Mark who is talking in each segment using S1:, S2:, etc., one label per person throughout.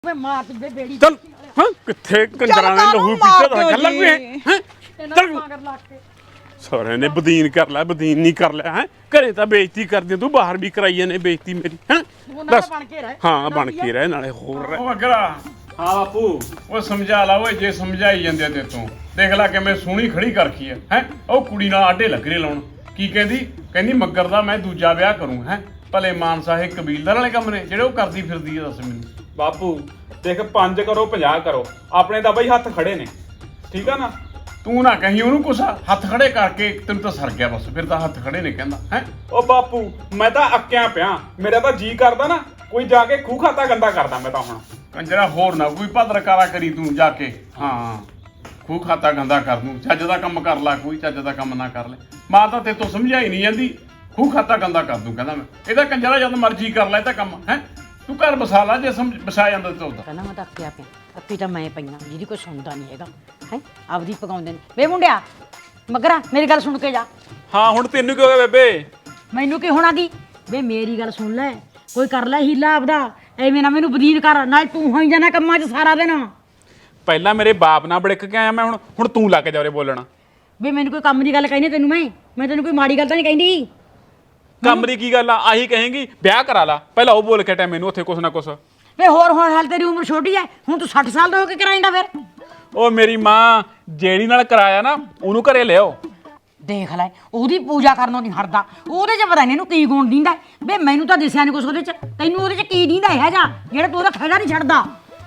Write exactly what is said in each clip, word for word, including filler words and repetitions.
S1: ਮੈਂ ਮਾਰ ਤੇ ਬੇੜੀ
S2: ਚੱਲ ਹਾਂ ਕਿੱਥੇ ਕੰਜਰਾਂ ਨੇ ਲਹੂ ਪੀਤਾ ਤਾਂ ਗੱਲ ਲੱਗ ਹੈ ਚੱਲ ਸਾਰਿਆਂ ਨੇ ਬਦੀਨ ਕਰ ਲੈ ਬਦੀਨ ਨਹੀਂ ਕਰ ਲਿਆ ਹੈ ਘਰੇ ਤਾਂ ਬੇਇੱਜ਼ਤੀ ਕਰਦੀ ਤੂੰ ਬਾਹਰ ਵੀ ਕਰਾਈ ਜਾਂਦੇ ਬੇਇੱਜ਼ਤੀ ਮੇਰੀ ਹੈ
S1: ਦੱਸ ਬਣ ਕੇ ਰਹਿ
S2: ਹਾਂ ਬਣ ਕੇ ਰਹਿ ਨਾਲੇ ਹੋਰ ਰਹਿ
S3: ਉਹ ਅਗਰਾ
S2: ਹਾਂ ਬਾਪੂ
S3: ਉਹ ਸਮਝਾ ਲਾ ਓਏ ਜੇ ਸਮਝਾਈ ਜਾਂਦੇ ਤੇ ਤੂੰ ਦੇਖ ਲੈ ਕਿਵੇਂ ਸੋਹਣੀ ਖੜੀ ਕਰਖੀ ਹੈ ਹੈ ਉਹ ਕੁੜੀ ਨਾਲ ਆਡੇ ਲੱਗਰੇ ਲਾਉਣ ਕੀ ਕਹਿੰਦੀ ਕਹਿੰਦੀ ਮੱਗਰ ਦਾ ਮੈਂ ਦੂਜਾ ਵਿਆਹ ਕਰੂੰ ਹੈ ਭਲੇ ਮਾਨਸਾ ਇਹ ਕਬੀਲਦਾਰ ਵਾਲੇ ਕੰਮ ਨੇ ਜਿਹੜੇ ਉਹ ਕਰਦੀ ਫਿਰਦੀ ਹੈ ਦੱਸ ਮੈਨੂੰ
S2: ਬਾਪੂ ਦੇਖ ਪੰਜ ਕਰੋ ਪੰਜਾਹ ਕਰੋ ਆਪਣੇ ਤਾਂ ਬਈ ਹੱਥ ਖੜੇ ਨੇ ਠੀਕ ਆ ਨਾ
S3: ਤੂੰ ਨਾ ਕਹੀਂ ਉਹਨੂੰ ਕੁਛ ਹੱਥ ਖੜੇ ਕਰਕੇ ਤੈਨੂੰ ਤਾਂ ਸਰ ਗਿਆ ਬਸ ਫਿਰ ਤਾਂ ਹੱਥ ਖੜੇ ਨੇ ਕਹਿੰਦਾ ਹੈ
S2: ਉਹ ਬਾਪੂ ਮੈਂ ਤਾਂ ਅੱਕਿਆ ਪਿਆ ਮੇਰਾ ਤਾਂ ਜੀ ਕਰਦਾ ਨਾ ਕੋਈ ਜਾ ਕੇ ਖੂਹ ਖਾਤਾ ਗੰਦਾ ਕਰਦਾ ਮੈਂ ਤਾਂ ਹੁਣ
S3: ਕੰਜਰਾ ਹੋਰ ਨਾ ਕੋਈ ਭਦਰਕਾਰਾ ਕਰੀ ਤੂੰ ਜਾ ਕੇ ਹਾਂ ਖੂਹ ਖਾਤਾ ਗੰਦਾ ਕਰ ਦੂੰ ਚੱਜ ਦਾ ਕੰਮ ਕਰ ਲੈ ਕੋਈ ਚੱਜ ਦਾ ਕੰਮ ਨਾ ਕਰ ਲੈ ਮਾਂ ਤਾਂ ਤੇਤੋਂ ਸਮਝਾਈ ਨਹੀਂ ਜਾਂਦੀ ਖੂਹ ਖਾਤਾ ਗੰਦਾ ਕਰ ਦੂੰ ਕਹਿੰਦਾ ਮੈਂ ਇਹਦਾ ਕੰਜਰਾ ਜਦ ਮਰਜ਼ੀ ਕਰ ਲੈ ਇਹ ਤਾਂ ਕੰਮ ਹੈ ਤੂੰ ਘਰ ਬਸਾ ਲਾ ਜੇ ਸਮਝ ਬਸਾ ਜਾਂਦਾ ਤੇ ਉਹਦਾ
S1: ਕਹਿੰਦਾ ਮੈਂ ਤਾਂ ਅੱਕਿਆ ਪਿਆ ਅੱਕੀ ਤਾਂ ਮੈਂ ਪਈਆਂ ਜਿਹਦੀ ਕੋਈ ਸੁਣਦਾ ਨਹੀਂ ਹੈਗਾ ਹੈ ਆਪਦੀ ਪਕਾਉਂਦੇ ਨੇ ਵੇ ਮੁੰਡਿਆ ਮਗਰਾ ਮੇਰੀ ਗੱਲ ਸੁਣ ਕੇ ਜਾ
S2: ਹਾਂ ਹੁਣ ਤੈਨੂੰ ਕੀ ਹੋ ਗਿਆ ਬੇਬੇ
S1: ਮੈਨੂੰ ਕੀ ਹੋਣਾ ਦੀ ਵੇ ਮੇਰੀ ਗੱਲ ਸੁਣ ਲੈ ਕੋਈ ਕਰ ਲੈ ਹੀਲਾ ਆਪਦਾ ਐਵੇਂ ਨਾ ਮੈਨੂੰ ਬਦੀਨ ਕਰ ਨਾਲ ਤੂੰ ਹੋਈ ਜਾਣਾ ਕੰਮਾਂ 'ਚ ਸਾਰਾ ਦਿਨ
S2: ਪਹਿਲਾਂ ਮੇਰੇ ਬਾਪ ਨਾਲ ਬੜਕ ਕੇ ਆਇਆ ਮੈਂ ਹੁਣ ਹੁਣ ਤੂੰ ਲੱਗ ਜਾ ਉਰੇ ਬੋਲਣਾ
S1: ਵੇ ਮੈਨੂੰ ਕੋਈ ਕੰਮ ਦੀ ਗੱਲ ਕਹਿੰਦੀ ਤੈਨੂੰ ਮੈਂ ਮੈਂ ਤੈਨੂੰ ਕੋਈ ਮਾੜੀ ਗੱਲ ਤਾਂ ਨਹੀਂ ਕਹਿੰਦੀ
S2: ਕੰਮ ਦੀ ਕੀ ਗੱਲ ਆ ਆਹੀ ਕਹੇਂਗੀ ਵਿਆਹ ਕਰਾ ਲਾ ਪਹਿਲਾਂ ਉਹ ਬੋਲ ਕੇ ਟਾਈਮ ਮੈਨੂੰ ਉੱਥੇ ਕੁਛ ਨਾ ਕੁਛ
S1: ਵੇ ਹੋਰ ਹੋਰ ਹਾਲ ਤੇਰੀ ਉਮਰ ਛੋਟੀ ਐ ਹੁਣ ਤੂੰ ਸੱਠ ਸਾਲ ਦਾ ਹੋ ਕੇ ਕਰਾਏਂਗਾ ਫਿਰ
S2: ਉਹ ਮੇਰੀ ਮਾਂ ਜਿਹੜੀ ਨਾਲ ਕਰਾਇਆ ਨਾ ਉਹਨੂੰ ਘਰੇ ਲਿਆਓ
S1: ਦੇਖ ਲੈ ਉਹਦੀ ਪੂਜਾ ਕਰਨੋਂ ਨਹੀਂ ਹਟਦਾ ਉਹਦੇ 'ਚ ਪਤਾ ਨਹੀਂ ਇਹਨੂੰ ਕੀ ਗੁਣ ਦਿੰਦਾ ਵੇ ਮੈਨੂੰ ਤਾਂ ਦਿਸਿਆ ਨਹੀਂ ਕੁਛ ਉਹਦੇ 'ਚ ਤੈਨੂੰ ਉਹਦੇ 'ਚ ਕੀ ਦਿੰਦਾ ਹੈ ਜਾ ਜਿਹੜਾ ਤੂੰ ਉਹਦਾ ਖੜਾ ਨਹੀਂ ਛੱਡਦਾ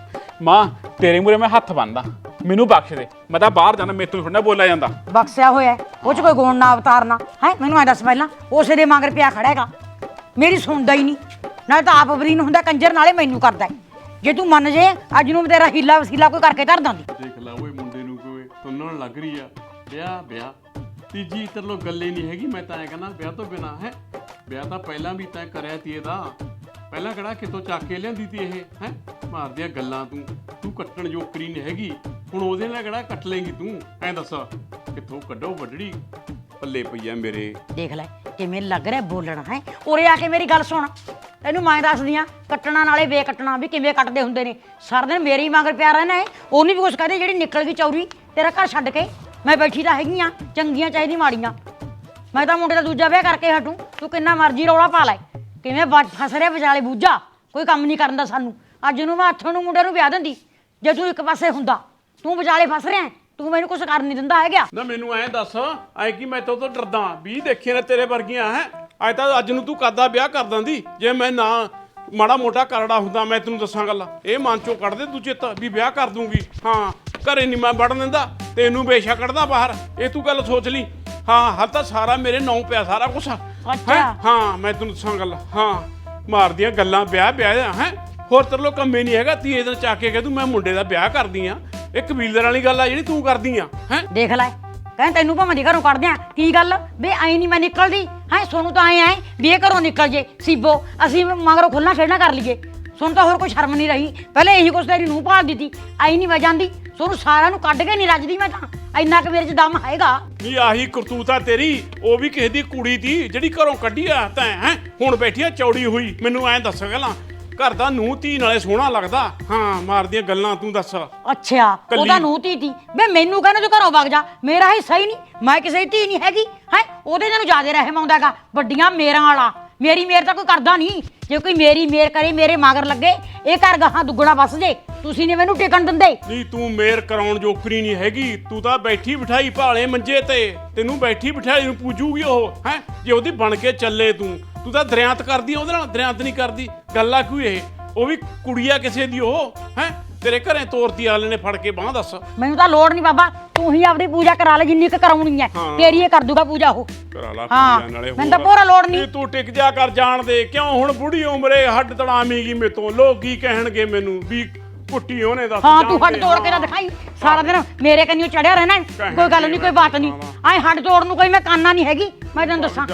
S2: ਮਾਂ ਤੇਰੇ ਮੂਰੇ ਮੈਂ ਹੱਥ ਬੰਨਦਾ ਮੈਨੂੰ ਬਖਸ਼ ਦੇ ਮੈਂ ਤਾਂ ਬਾਹਰ ਜਾਣਾ ਮੇਰੇ ਤੋਂ ਥੋੜਾ ਬੋਲਿਆ ਜਾਂਦਾ
S1: ਬਖਸ਼ਿਆ ਹੋਇਆ ਉਹ 'ਚ ਕੋਈ ਗੁਣ ਨਾ ਅਵਤਾਰਨਾ ਹੈ ਮੈਨੂੰ ਐ ਦੱਸ ਪਹਿਲਾਂ ਉਸੇ ਦੇ ਮਗਰ ਪਿਆ ਖੜਾ ਹੈਗਾ ਮੇਰੀ ਸੁਣਦਾ ਹੀ ਨਹੀਂ ਨਾਲੇ ਤਾਂ ਆਪ ਬਰੀਨ ਹੁੰਦਾ ਕੰਜਰ ਨਾਲੇ ਮੈਨੂੰ ਕਰਦਾ ਜੇ ਤੂੰ ਮੰਨ ਜੇ ਅੱਜ ਨੂੰ ਤੇਰਾ ਹੀਲਾ ਵਸੀਲਾ ਕੋਈ ਕਰਕੇ ਧਰ ਦਾਂਦੀ
S3: ਦੇਖ ਲੈ ਓਏ ਮੁੰਡੇ ਨੂੰ ਕੋਈ ਤੁੰਨਣ ਲੱਗ ਰਹੀ ਆ ਵਿਆਹ ਵਿਆਹ ਤੀਜੀ ਤਰਲੋ ਗੱਲੇ ਨਹੀਂ ਹੈਗੀ ਮੈਂ ਤਾਂ ਐ ਕਹਿੰਦਾ ਵਿਆਹ ਤੋਂ ਬਿਨਾ ਹੈ ਵਿਆਹ ਤਾਂ ਪਹਿਲਾਂ ਵੀ ਤੈਂ ਕਰਿਆ ਤੀ ਇਹਦਾ ਪਹਿਲਾਂ ਕਿਹੜਾ ਕਿਤੋਂ ਚੱਕ ਕੇ ਲਿਆਂਦੀ ਤੀ ਇਹ ਹੈ ਮਾਰਦੀਆਂ ਗੱਲਾਂ ਤੂੰ ਤੂੰ ਕੱਟਣ ਜੋਕਰੀ ਨਹੀਂ ਹੈਗੀ ਹੁਣ ਉਹਦੇ ਨਾਲ ਕਿਹੜਾ ਕੱਟ ਲੇਂਗੀ ਤੂੰ ਐ ਦੱਸ ਕਿੱਥੋਂ ਕੱਢੋ ਵੱਢੜੀ ਪੱਲੇ ਪਈ ਆ ਮੇਰੇ
S1: ਦੇਖ ਲੈ ਕਿਵੇਂ ਲੱਗ ਰਿਹਾ ਬੋਲਣਾ ਹੈ ਉਰੇ ਆ ਕੇ ਮੇਰੀ ਗੱਲ ਸੁਣ ਤੈਨੂੰ ਮੈਂ ਦੱਸਦੀ ਆ ਕੱਟਣਾ ਨਾਲੇ ਵੇ ਕੱਟਣਾ ਵੀ ਕਿਵੇਂ ਕੱਟਦੇ ਹੁੰਦੇ ਨੇ ਸਾਰਾ ਦਿਨ ਮੇਰੇ ਹੀ ਮਗਰ ਪਿਆ ਰਹਿਣਾ ਹੈ ਉਹਨੂੰ ਵੀ ਕੁਛ ਕਹਦੇ ਜਿਹੜੀ ਨਿਕਲ ਗਈ ਚੌਰੀ ਤੇਰਾ ਘਰ ਛੱਡ ਕੇ ਮੈਂ ਬੈਠੀ ਤਾਂ ਹੈਗੀ ਆ ਚੰਗੀਆਂ ਚਾਹੀਦੀ ਮਾੜੀਆਂ ਮੈਂ ਤਾਂ ਮੁੰਡੇ ਦਾ ਦੂਜਾ ਵਿਆਹ ਕਰਕੇ ਹਟੂ ਤੂੰ ਕਿੰਨਾ ਮਰਜ਼ੀ ਰੌਲਾ ਪਾ ਲੈ ਕਿਵੇਂ ਫਸ ਰਿਹਾ ਵਿਚਾਲੇ ਬੂਝਾ ਕੋਈ ਕੰਮ ਨਹੀਂ ਕਰਨ ਦਾ ਸਾਨੂੰ ਅੱਜ ਨੂੰ ਮੈਂ ਹੱਥੋਂ ਨੂੰ ਮੁੰਡੇ ਨੂੰ ਵਿਆਹ ਦਿੰਦੀ ਜੇ ਤੂੰ ਇੱਕ ਪਾਸੇ ਹੁੰਦਾ ਤੂੰ ਵਿਚਾਲੇ ਫਸ ਰਿਹਾ ਤੂੰ ਮੈਨੂੰ ਕੁਛ ਕਰ ਨਹੀਂ ਦਿੰਦਾ ਹੈਗਾ
S3: ਨਾ ਮੈਨੂੰ ਐਂ ਦੱਸ ਐ ਕੀ ਮੈਂ ਤੋਂ ਤੋਂ ਡਰਦਾ ਵੀ ਦੇਖੇ ਨੇ ਤੇਰੇ ਵਰਗੀਆਂ ਹੈ ਅੱਜ ਤਾਂ ਅੱਜ ਨੂੰ ਤੂੰ ਕਰਦਾ ਵਿਆਹ ਕਰ ਦਿੰਦੀ ਜੇ ਮੈਂ ਨਾ ਮਾੜਾ ਮੋਟਾ ਕਰੜਾ ਹੁੰਦਾ ਮੈਂ ਤੈਨੂੰ ਦੱਸਾਂ ਗੱਲ ਇਹ ਮਨ ਚੋਂ ਕੱਢ ਦੇ ਤੂੰ ਚਿੱਤ ਵੀ ਵਿਆਹ ਕਰ ਦੂੰਗੀ ਹਾਂ ਘਰੇ ਨਹੀਂ ਮੈਂ ਵੜਨ ਦਿੰਦਾ ਤੈਨੂੰ ਬੇਸ਼ੱਕ ਕੱਢਦਾ ਬਾਹਰ ਇਹ ਤੂੰ ਗੱਲ ਸੋਚ ਲਈ ਹਾਂ ਹਲ ਤਾਂ ਸਾਰਾ ਮੇਰੇ ਨਾਂ ਪਿਆ ਸਾਰਾ ਕੁਛ
S1: ਅੱਛਾ
S3: ਹਾਂ ਮੈਂ ਤੈਨੂੰ ਦੱਸਾਂ ਗੱਲ ਹਾਂ ਮਾਰਦੀਆਂ ਗੱਲਾਂ ਵਿਆਹ ਵਿਆਹ ਹੈ ਹੋਰ ਤੇਰੇ ਲੋ ਕੰਮੇ ਨਹੀਂ ਹੈਗਾ ਤੀਏ ਦਿਨ ਚੱਕ ਕੇ ਕਹਿ ਤੂੰ ਮੈਂ ਮੁੰਡੇ ਦਾ ਵਿਆਹ ਕਰਦੀ ਆ ਇਹ ਕਬੀਲਦਾਰ ਵਾਲੀ ਗੱਲ ਆ ਜਿਹੜੀ ਤੂੰ ਕਰਦੀ ਆ ਹੈ
S1: ਦੇਖ ਲੈ ਕਹਿੰਦੇ ਤੈਨੂੰ ਭਾਵੇਂ ਦੀ ਘਰੋਂ ਕੱਢਦੇ ਆ ਕੀ ਗੱਲ ਵੇ ਐ ਨਹੀਂ ਮੈਂ ਨਿਕਲਦੀ ਹੈ ਸੋਨੂੰ ਤਾਂ ਐ ਐ ਵੀ ਇਹ ਘਰੋਂ ਨਿਕਲ ਜੇ ਸੀਬੋ ਅਸੀਂ ਮਗਰੋਂ ਖੁੱਲਣਾ ਖੇਡਣਾ ਕਰ ਲਈਏ ਸੁਣ ਤਾਂ ਹੋਰ ਕੋਈ ਸ਼ਰਮ ਨਹੀਂ ਰਹੀ ਪਹਿਲੇ ਇਹੀ ਕੁਛ ਤੇਰੀ ਨੂੰ ਭਾਲ ਦਿੱਤੀ ਐ ਨਹੀਂ ਮੈਂ ਜਾਂਦੀ ਸੋਨੂੰ ਸਾਰਿਆਂ ਨੂੰ ਕੱਢ ਕੇ ਨਹੀਂ ਰੱਜਦੀ ਮੈਂ ਤਾਂ ਇੰਨਾ ਕੁ ਮੇਰੇ 'ਚ ਦਮ ਹੈਗਾ
S3: ਨਹੀਂ ਆਹੀ ਕਰਤੂਤ ਆ ਤੇਰੀ ਉਹ ਵੀ ਕਿਸੇ ਦੀ ਕੁੜੀ ਤੀ ਜਿਹੜੀ ਘਰੋਂ ਕੱਢੀ ਆ ਤੈਂ ਹੈ ਹੁਣ ਬੈਠੀ ਆ ਚੌੜੀ ਹੋਈ ਮੈਨੂੰ ਐਂ ਦੱਸ ਗੱਲਾਂ ਘਰ ਦਾ ਨੂੰਹ ਧੀ ਨਾਲੇ ਸੋਹਣਾ ਲੱਗਦਾ ਹਾਂ ਮਾਰਦੀਆਂ ਗੱਲਾਂ ਤੂੰ ਦੱਸ
S1: ਅੱਛਾ ਉਹਦਾ ਨੂੰਹ ਧੀ ਤੀ ਵੇ ਮੈਨੂੰ ਕਹਿੰਦਾ ਤੂੰ ਘਰੋਂ ਵਗ ਜਾ ਮੇਰਾ ਹਿੱਸਾ ਹੀ ਨਹੀਂ ਮੈਂ ਕਿਸੇ ਦੀ ਧੀ ਨਹੀਂ ਹੈਗੀ ਹੈ ਉਹਦੇ ਨਾਲ ਜ਼ਿਆਦਾ ਰਹਿਮ ਆਉਂਦਾਗਾ ਵੱਡੀਆਂ ਮੇਰਾਂ ਵਾਲਾ ਮੇਰੀ ਮੇਰ ਤਾਂ ਕੋਈ ਕਰਦਾ ਨਹੀਂ ਜੇ ਕੋਈ ਮੇਰੀ ਮੇਰ ਕਰੇ ਮੇਰੇ ਮਗਰ ਲੱਗੇ ਇਹ ਘਰ ਗਾਹਾਂ ਦੁੱਗਣਾ ਵੱਸ ਜੇ ਤੁਸੀਂ ਨੇ ਮੈਨੂੰ ਟਿਕਣ ਦਿੰਦੇ
S3: ਨਹੀਂ ਤੂੰ ਮੇਰ ਕਰਾਉਣ ਜੋਕਰੀ ਨਹੀਂ ਹੈਗੀ ਤੂੰ ਤਾਂ ਬੈਠੀ ਬਿਠਾਈ ਭਾਲੇ ਮੰਜੇ ਤੇ ਤੈਨੂੰ ਬੈਠੀ ਬਿਠਾਈ ਨੂੰ ਪੂਜੂਗੀ ਉਹ ਹੈ ਜੇ ਉਹਦੀ ਬਣ ਕੇ ਚੱਲੇ ਤੂੰ ਤੂੰ ਤਾਂ ਦਰਿਆਤ ਕਰਦੀ ਉਹਦੇ ਨਾਲ ਦਰਿਆਤ ਨਹੀਂ ਕਰਦੀ ਗੱਲ ਆ ਕੋਈ ਇਹ ਉਹ ਵੀ ਕੁੜੀਆ ਕਿਸੇ ਦੀ ਉਹ ਹੈ ਤੇਰੇ ਘਰੇ ਤੋਰਤੀ ਆਲੇ ਨੇ ਫੜ ਕੇ ਬਾਹ ਦੱਸ
S1: ਮੈਨੂੰ ਤਾਂ ਲੋੜ ਨਹੀਂ ਬਾਬਾ ਤੂੰ ਹੀ ਆਪਣੀ ਪੂਜਾ ਕਰਾ ਲੈ ਜਿੰਨੀ ਕੁ ਕਰਾਉਣੀ ਹੈ ਤੇਰੀ ਇਹ ਕਰ ਦੂਗਾ ਪੂਜਾ ਉਹ
S3: ਕਰਾ ਲਾ
S1: ਹਾਂ
S3: ਪੂਜਾ ਨਾਲੇ
S1: ਮੈਨੂੰ ਤਾਂ ਪੂਰਾ ਲੋੜ ਨਹੀਂ
S3: ਤੂੰ ਟਿਕ ਜਾ ਕਰ ਜਾਣ ਦੇ ਕਿਉਂ ਹੁਣ ਬੁੜੀ ਉਮਰੇ ਹੱਡ ਤੜਾਮੀਗੀ ਮੇਤੋਂ ਲੋਕ ਕੀ ਕਹਿਣਗੇ ਮੈਨੂੰ ਵੀ ਪੁੱਟੀ ਉਹਨੇ ਦੱਸ
S1: ਹਾਂ ਤੂੰ ਹੱਡ ਤੋੜ ਕੇ ਤਾਂ ਦਿਖਾਈ ਸਾਰਾ ਦਿਨ ਮੇਰੇ ਕੰਨਿਓ ਚੜਿਆ ਰਹਿਣਾ ਕੋਈ ਗੱਲ ਨਹੀਂ ਕੋਈ ਬਾਤ ਨਹੀਂ ਐ ਹੱਡ ਤੋੜ ਨੂੰ ਕੋਈ ਮੈਂ ਕਾਨਾ ਨਹੀਂ ਹੈਗੀ ਮੈਂ ਤੈਨੂੰ ਦੱਸਾਂ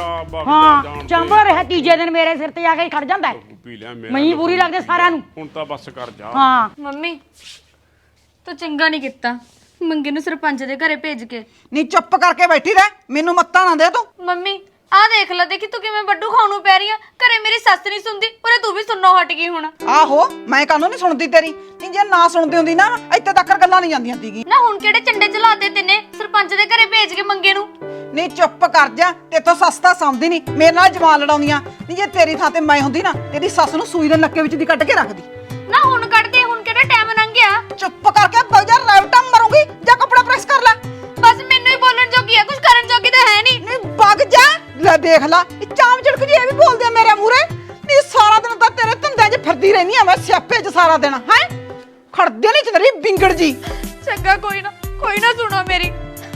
S1: ਹਾਂ ਚੰਬੜ ਰਿਹਾ ਤੀਜੇ ਦਿਨ ਮੇਰੇ ਸਿਰ ਤੇ ਆ ਕੇ ਖੜ ਜਾਂਦਾ ਮੈਂ ਹੀ ਬੁਰੀ ਲੱਗਦੇ ਸਾਰਿਆਂ ਨੂੰ
S3: ਹੁਣ ਤਾਂ ਬਸ ਕਰ ਜਾ
S1: ਹਾਂ
S4: ਮੰਮੀ ਤੂੰ ਚੰਗਾ ਨਹੀਂ ਕੀਤਾ ਮੰਗੇ ਨੂੰ ਸਰਪੰਚ ਦੇ ਘਰੇ ਭੇਜ ਕੇ
S5: ਨੀ ਚੁੱਪ ਕਰਕੇ ਬੈਠੀ ਰਹਿ ਮੈਨੂੰ ਮੱਤਾਂ ਨਾ ਦੇ ਤੂੰ
S4: ਮੰਮੀ ਆ ਦੇਖ ਲੈ, ਦੇਖੀ ਤੂੰ ਕਿਵੇਂ ਵੱਡੂ ਖਾਣ ਨੂੰ ਪੈ ਰਹੀ ਆ। ਘਰੇ ਮੇਰੀ ਸੱਸ ਨਹੀਂ ਸੁਣਦੀ, ਉਰੇ ਤੂੰ ਵੀ ਸੁਣਨੋਂ ਹਟ ਗਈ ਹੁਣ।
S5: ਆਹੋ ਮੈਂ ਕਾਹਨੂੰ ਨਹੀਂ ਸੁਣਦੀ ਤੇਰੀ, ਨਹੀਂ ਜੇ ਨਾ ਸੁਣਦੀ ਹੁੰਦੀ ਨਾ ਇੱਥੇ ਤੱਕ ਗੱਲਾਂ ਨਹੀਂ ਜਾਂਦੀਆਂ ਸੀਗੀ।
S4: ਨਾ ਹੁਣ ਕਿਹੜੇ ਚੰਡੇ ਚਲਾਤੇ ਤੈਨੇ ਸਰਪੰਚ ਦੇ ਘਰੇ ਭੇਜ ਕੇ ਮੰਗੇ ਨੂੰ।
S5: ਨਹੀਂ ਚੁੱਪ ਕਰ ਜਾ, ਤੇਥੋਂ ਸਸਤਾ ਸਮਝਦੀ ਨਹੀਂ, ਮੇਰੇ ਨਾਲ ਜਵਾਨ ਲੜਾਉਂਦੀਆਂ। ਨਹੀਂ ਜੇ ਤੇਰੀ ਥਾਂ ਤੇ ਮੈਂ ਹੁੰਦੀ ਨਾ ਤੇਰੀ ਸੱਸ ਨੂੰ ਸੂਈ ਦੇ ਨੱਕੇ ਵਿੱਚ ਦੀ ਕੱਢ ਕੇ ਰੱਖਦੀ।
S4: ਨਾ ਹੁਣ ਕੱਢਦੇ, ਹੁਣ ਕਿਹੜਾ ਟਾਈਮ ਲੰਘ ਗਿਆ।
S5: ਚੁੱਪ ਕਰਕੇ ਬਜਾ ਰੈਵਟਾ ਮਰੂੰਗੀ ਜਾਂ ਕੱਪੜਾ ਪ੍ਰੈਸ ਕਰ ਲੈ।
S4: ਬਸ ਮੈਨੂੰ ਹੀ ਬੋਲਣ ਜੋਗੀ ਆ, ਕੁਝ ਕਰਨ ਜੋਗੀ ਤਾਂ ਹੈ ਨਹੀਂ।
S5: ਨਹੀਂ ਵਗ ਜਾ, ਲੈ ਦੇਖ ਲੈ ਇਹ ਚਾਮ ਚੜਕ ਜੀ ਇਹ ਵੀ ਬੋਲਦੇ ਆ ਮੇਰੇ ਮੂਹਰੇ। ਨਹੀਂ ਸਾਰਾ ਦਿਨ ਤਾਂ ਤੇਰੇ ਧੰਦਿਆਂ 'ਚ ਫਿਰਦੀ ਰਹਿਨੀ ਆ ਮੈਂ, ਸਿਆਪੇ 'ਚ ਸਾਰਾ ਦਿਨ ਹੈ ਖੜਦੇ ਨਹੀਂ ਚ ਤੇਰੀ ਬਿੰਗੜ ਜੀ।
S4: ਚੰਗਾ ਕੋਈ ਨਾ, ਕੋਈ ਨਾ ਸੁਣੋ ਮੇਰੀ।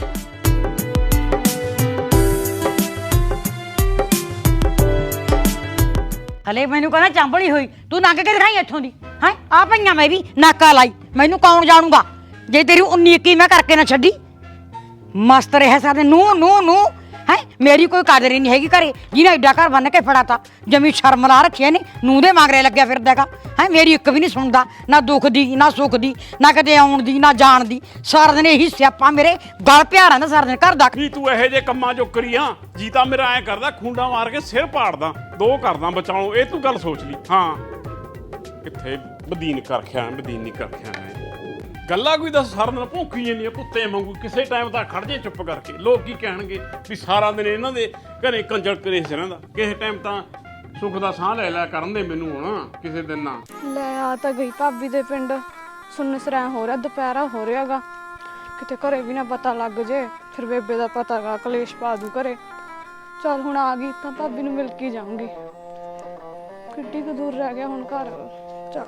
S1: ਹਲੇ ਮੈਨੂੰ ਕਹਿੰਦਾ ਚਾਂਬਲੀ ਹੋਈ, ਤੂੰ ਨੰਗ ਕੇ ਦਿਖਾਈ ਇੱਥੋਂ ਦੀ ਹੈ। ਆ ਪਈਆਂ ਮੈਂ ਵੀ ਨਾਕਾ ਲਾਈ, ਮੈਨੂੰ ਕੌਣ ਜਾਣੂਗਾ ਜੇ ਤੇਰੀ ਉੱਨੀ ਇੱਕੀ ਮੈਂ ਕਰਕੇ ਨਾ ਛੱਡੀ। ਮਸਤ ਰਿਹਾ ਸਾਡੇ ਨੂੰ ਨੂੰ ਨੂੰ ਹੈ, ਮੇਰੀ ਕੋਈ ਕਦਰ ਹੀ ਨਹੀਂ ਹੈਗੀ ਘਰੇ, ਜਿਹਨੇ ਐਡਾ ਘਰ ਬੰਨ ਕੇ ਫੜਾਤਾ। ਜਮੀ ਸ਼ਰਮ ਲਾ ਰੱਖਿਆ ਨੇ, ਨੂੰ ਦੇ ਮਗਰੇ ਲੱਗਿਆ ਫਿਰਦਾਗਾ ਹੈ। ਮੇਰੀ ਇੱਕ ਵੀ ਨਹੀਂ ਸੁਣਦਾ, ਨਾ ਦੁੱਖ ਦੀ ਨਾ ਸੁੱਖ ਦੀ, ਨਾ ਕਦੇ ਆਉਣ ਦੀ ਨਾ ਜਾਣ ਦੀ। ਸਾਰਾ ਦਿਨ ਇਹੀ ਸਿਆਪਾ ਮੇਰੇ ਗਲ ਪਿਆ ਰਹਿੰਦਾ ਸਾਰਾ ਦਿਨ ਘਰ ਦਾ।
S2: ਕੀ ਤੂੰ ਇਹੋ ਜਿਹੇ ਕੰਮਾਂ ਚੋਂ ਕਰੀ ਆ? ਜੀ ਤਾਂ ਮੇਰਾ ਐ ਕਰਦਾ ਖੁੰਡਾ ਮਾਰ ਕੇ ਸਿਰ ਪਾੜਦਾ, ਦੋ ਕਰਦਾ ਬਚਾਉ। ਇਹ ਤੂੰ ਗੱਲ ਸੋਚ ਲਈ। ਹਾਂ ਕਿੱਥੇ ਬਦੀਨ ਕਰਖਿਆ, ਬਦੀਨ ਨਹੀਂ ਕਰਖਿਆ ਮੈਂ। ਗੱਲਾਂ ਕੋਈ ਦੱਸ ਸਾਰਾ ਦਿਨ ਭੌਂਕੀ ਜਾਂਦੀਆਂ ਕੁੱਤੇ ਵਾਂਗੂ, ਕਿਸੇ ਟਾਈਮ ਤਾਂ ਖੜ ਜੇ ਚੁੱਪ ਕਰਕੇ। ਲੋਕ ਕੀ ਕਹਿਣਗੇ ਵੀ ਸਾਰਾ ਦਿਨ ਇਹਨਾਂ ਦੇ ਘਰੇ ਕੰਜਰ ਕਲੇਸ਼ ਰਹਿੰਦਾ। ਕਿਸੇ ਟਾਈਮ ਤਾਂ ਸੁੱਖ ਦਾ ਸਾਹ ਲੈ ਲਿਆ ਕਰਨ ਦੇ ਮੈਨੂੰ ਹੁਣ ਕਿਸੇ ਦਿਨ ਨਾ।
S6: ਲੈ ਆ ਤਾਂ ਗਈ ਭਾਬੀ ਦੇ ਪਿੰਡ, ਸੁੰਨ ਸਰਾਂ ਹੋ ਰਿਹਾ, ਦੁਪਹਿਰਾ ਹੋ ਰਿਹਾਗਾ, ਕਿਤੇ ਘਰੇ ਵੀ ਨਾ ਪਤਾ ਲੱਗ ਜੇ, ਫਿਰ ਬੇਬੇ ਦਾ ਪਤਾ ਗਾ ਕਲੇਸ਼ ਪਾ ਦੂ ਘਰੇ। ਚੱਲ ਹੁਣ ਆ ਗਈ ਤਾਂ ਭਾਬੀ ਨੂੰ ਮਿਲ ਕੇ ਜਾਊਂਗੀ। ਕਿੱਡੀ ਕੁ ਦੂਰ ਰਹਿ ਗਿਆ ਹੁਣ ਘਰ। ਚੱਲ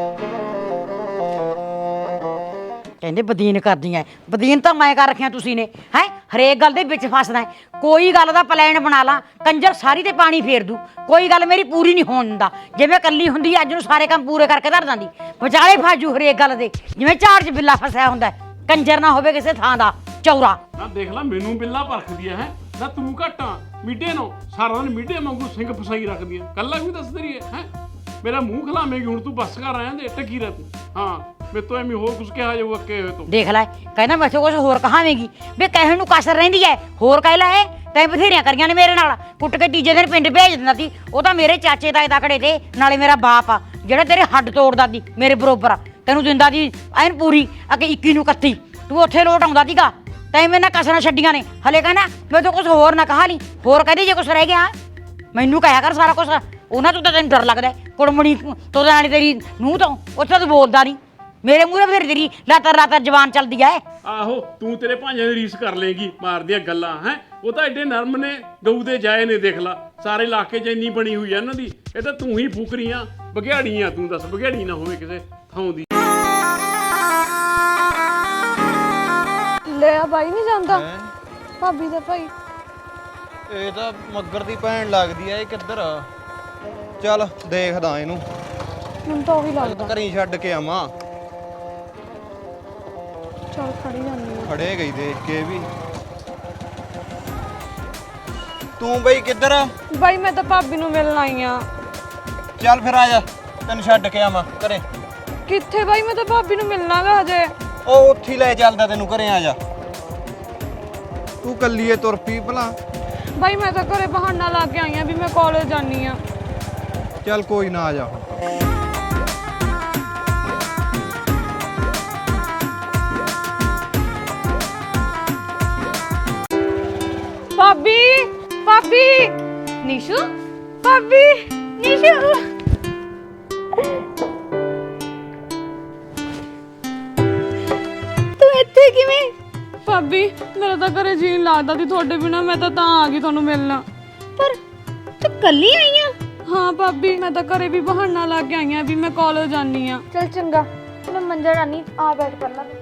S1: ਕਹਿੰਦੇ ਬਦੀਨ ਕਰਦੀਆਂ। ਬਦੀਨ ਤਾਂ ਮੈਂ ਕਰ ਰੱਖਿਆ, ਤੁਸੀਂ ਨੇ ਹੈ। ਹਰੇਕ ਗੱਲ ਦੇ ਵਿੱਚ ਫਸਦਾ ਹੈ। ਕੋਈ ਗੱਲ ਦਾ ਪਲਾਨ ਬਣਾ ਲਾ, ਕੰਜਰ ਸਾਰੀ ਤੇ ਪਾਣੀ ਫੇਰ ਦੂ। ਕੋਈ ਗੱਲ ਮੇਰੀ ਪੂਰੀ ਨਹੀਂ ਹੋਣ ਦਿੰਦਾ। ਜਿਵੇਂ ਕੱਲੀ ਹੁੰਦੀ ਅੱਜ ਨੂੰ ਸਾਰੇ ਕੰਮ ਪੂਰੇ ਕਰਕੇ ਧਰ ਦਿੰਦੀ, ਵਿਚਾਲੇ ਫਾਜੂ ਹਰੇਕ ਗੱਲ ਦੇ, ਜਿਵੇਂ ਝਾੜ 'ਚ ਬਿੱਲਾ ਫਸਿਆ ਹੁੰਦਾ। ਕੰਜਰ ਨਾ ਹੋਵੇ ਕਿਸੇ ਥਾਂ ਦਾ ਚੌਰਾ।
S2: ਨਾ ਦੇਖ ਲੈ ਮੈਨੂੰ ਬਿੱਲਾ ਪਰਖਦੀ ਹੈ। ਨਾ ਤੂੰ ਘਟਾਂ ਮੀਡੇ ਨੂੰ ਸਾਰਾ ਦਿਨ ਮੀਡੇ ਵਾਂਗੂ ਸਿੰਘ ਫਸਾਈ ਰੱਖਦੀ ਹੈ। ਕੱਲਾ ਵੀ ਦੱਸ ਰਹੀ ਹੈ ਹੈ ਮੇਰਾ ਮੂੰਹ ਖਲਾਵੇਂਗੀ ਹੁਣ ਤੂੰ। ਬੱਸ ਕਰ ਆਇਆ ਦੇ ਟੱਕੀ ਰਹਿ ਤੂੰ। ਹਾਂ ਮੈਂ ਤੋਂ ਐਵੇਂ ਹੋਰ ਕੁਝ ਕਿਹਾ ਜਾਊਗਾ ਕਿ ਹੋਏ ਤੂੰ
S1: ਦੇਖ ਲੈ, ਕਹਿੰਦਾ ਮੈਂ ਕੁਝ ਹੋਰ ਕਹਾਵੇਂਗੀ ਵੀ ਕਹਿਣ ਨੂੰ ਕਸਰ ਰਹਿੰਦੀ ਐ। ਹੋਰ ਕਹਿ ਲੈ, ਤੈਂ ਬਥੇਰੀਆਂ ਕਰੀਆਂ ਨੇ ਮੇਰੇ ਨਾਲ। ਕੁੱਟ ਕੇ ਤੀਜੇ ਦਿਨ ਪਿੰਡ ਭੇਜ ਦਿੰਦਾ ਸੀ। ਉਹ ਤਾਂ ਮੇਰੇ ਚਾਚੇ ਤਾਏ ਤਕੜੇ ਤੇ, ਨਾਲੇ ਮੇਰਾ ਬਾਪ ਆ ਜਿਹੜਾ ਤੇਰੇ ਹੱਡ ਤੋੜਦਾ ਸੀ ਮੇਰੇ ਬਰੋਬਰ। ਤੈਨੂੰ ਦਿੰਦਾ ਸੀ ਐਨ ਪੂਰੀ ਅੱਗੇ ਇੱਕੀ ਨੂੰ ਇਕੱਤੀ। ਤੂੰ ਉੱਥੇ ਲੋਟ ਆਉਂਦਾ ਸੀਗਾ, ਤੈਂ ਮੇਰੇ ਨਾਲ ਕਸਰਾਂ ਛੱਡੀਆਂ ਨੇ। ਹਲੇ ਕਹਿੰਦਾ ਮੈਂ ਤਾਂ ਕੁਝ ਹੋਰ ਨਾ ਕਹਾ ਲਈ। ਹੋਰ ਕਹਦੇ ਜੇ ਕੁਝ ਰਹਿ ਗਿਆ ਮੈਨੂੰ ਕਹਿਆ ਕਰ ਸਾਰਾ ਕੁਝ। ਉਹਨਾਂ ਤੋਂ ਤਾਂ ਤੈਨੂੰ ਡਰ ਲੱਗਦਾ ਕੁੜਮਣੀ ਤੋਂ, ਨਾਲੇ ਤੇਰੀ ਨੂੰਹ ਤੋਂ। ਉੱਥੇ ਤੂੰ ਬੋਲਦਾ ਨਹੀਂ ਮੇਰੇ ਮੂਹਰੇ। ਬਥੇਰੀ ਤੇਰੀ ਲਾਤਰ ਲਾਤਰ ਜਵਾਨ ਚੱਲਦੀ ਐ।
S2: ਆਹੋ ਤੂੰ ਤੇਰੇ ਭਾਂਜਿਆਂ ਦੀ ਰੀਸ ਕਰ ਲੇਗੀ ਮਾਰਦੀਆਂ ਗੱਲਾਂ ਹੈ। ਉਹ ਤਾਂ ਐਡੇ ਨਰਮ ਨੇ, ਗਊ ਦੇ ਜਾਏ ਨੇ। ਦੇਖ ਲਾ ਸਾਰੇ ਇਲਾਕੇ 'ਚ ਇੰਨੀ ਬਣੀ ਹੋਈ ਆ ਇਹਨਾਂ ਦੀ। ਇਹ ਤਾਂ ਤੂੰ ਹੀ ਫੁਕਰੀਆਂ ਬਘਿਆੜੀਆਂ। ਤੂੰ ਦੱਸ ਬਘਿਆੜੀ ਨਾ ਹੋਵੇ ਕਿਸੇ ਥਾਂ ਦੀ।
S6: ਲੈ ਆ ਬਾਈ ਨਹੀਂ ਜਾਂਦਾ ਭਾਬੀ ਦਾ ਭਾਈ।
S7: ਇਹ ਤਾਂ ਮੱਗਰ ਦੀ ਭੈਣ ਲੱਗਦੀ ਐ। ਇਹ ਕਿੱਧਰ ਆ? ਚੱਲ ਦੇਖਦਾ ਇਹਨੂੰ,
S6: ਮੈਨੂੰ ਤਾਂ ਉਹੀ ਲੱਗਦਾ।
S7: ਘਰੀ ਛੱਡ ਕੇ ਆਵਾਂ।
S6: ਚੱਲ ਖੜੀ ਜਾਂਦੀ ਆ।
S7: ਖੜੇ ਗਈ ਦੇਖ ਕੇ ਵੀ। ਤੂੰ ਬਈ ਕਿੱਧਰ ਆ?
S6: ਬਾਈ ਮੈਂ ਤਾਂ ਭਾਬੀ ਨੂੰ ਮਿਲਣ ਆਈ ਆ।
S7: ਚੱਲ ਫਿਰ ਆ ਜਾ, ਤੈਨੂੰ ਛੱਡ ਕੇ ਆਵਾਂ ਘਰੇ।
S6: ਕਿੱਥੇ ਬਾਈ, ਮੈਂ ਤਾਂ ਭਾਬੀ ਨੂੰ ਮਿਲਣਾਗਾ ਹਜੇ।
S7: ਉਹ ਉੱਥੇ ਹੀ ਲੈ ਚੱਲਦਾ ਤੈਨੂੰ ਘਰੇ। ਆ ਜਾ, ਤੂੰ ਕੱਲੀ ਏ ਤੁਰ ਪਈ ਭਲਾ।
S6: ਬਾਈ ਮੈਂ ਤਾਂ ਘਰੇ ਬਹਾਨਾ ਲਾ ਕੇ ਆਈ ਆ ਵੀ ਮੈਂ ਕਾਲਜ ਜਾਨੀ ਆ।
S7: ਚੱਲ ਕੋਈ ਨਾ, ਆ ਜਾ।
S6: ਭਾਬੀ ਭਾਬੀ ਨੀਸ਼ੂ, ਭਾਬੀ ਨੀਸ਼ੂ।
S4: ਤੂੰ ਇੱਥੇ ਕਿਵੇਂ?
S6: ਭਾਬੀ ਮੇਰਾ ਤਾਂ ਘਰੇ ਜੀਣ ਲੱਗਦਾ ਸੀ ਤੁਹਾਡੇ ਬਿਨਾ। ਮੈਂ ਤਾਂ ਤਾਂ ਆ ਗਈ ਤੁਹਾਨੂੰ ਮਿਲਣਾ।
S4: ਪਰ ਤੂੰ ਕੱਲੀ ਆਈ ਆ?
S6: ਹਾਂ ਭਾਬੀ ਮੈਂ ਤਾਂ ਘਰੇ ਵੀ ਬਹਾਨਾ ਲਾ ਕੇ ਆਈ ਆ ਵੀ ਮੈਂ ਕਾਲਜ ਜਾਨੀ ਆ।
S4: ਚਲ ਚੰਗਾ, ਮੈਂ ਮੰਜਾ ਡਾਨੀ ਆ ਬੈਠ ਕਰ ਲਾ।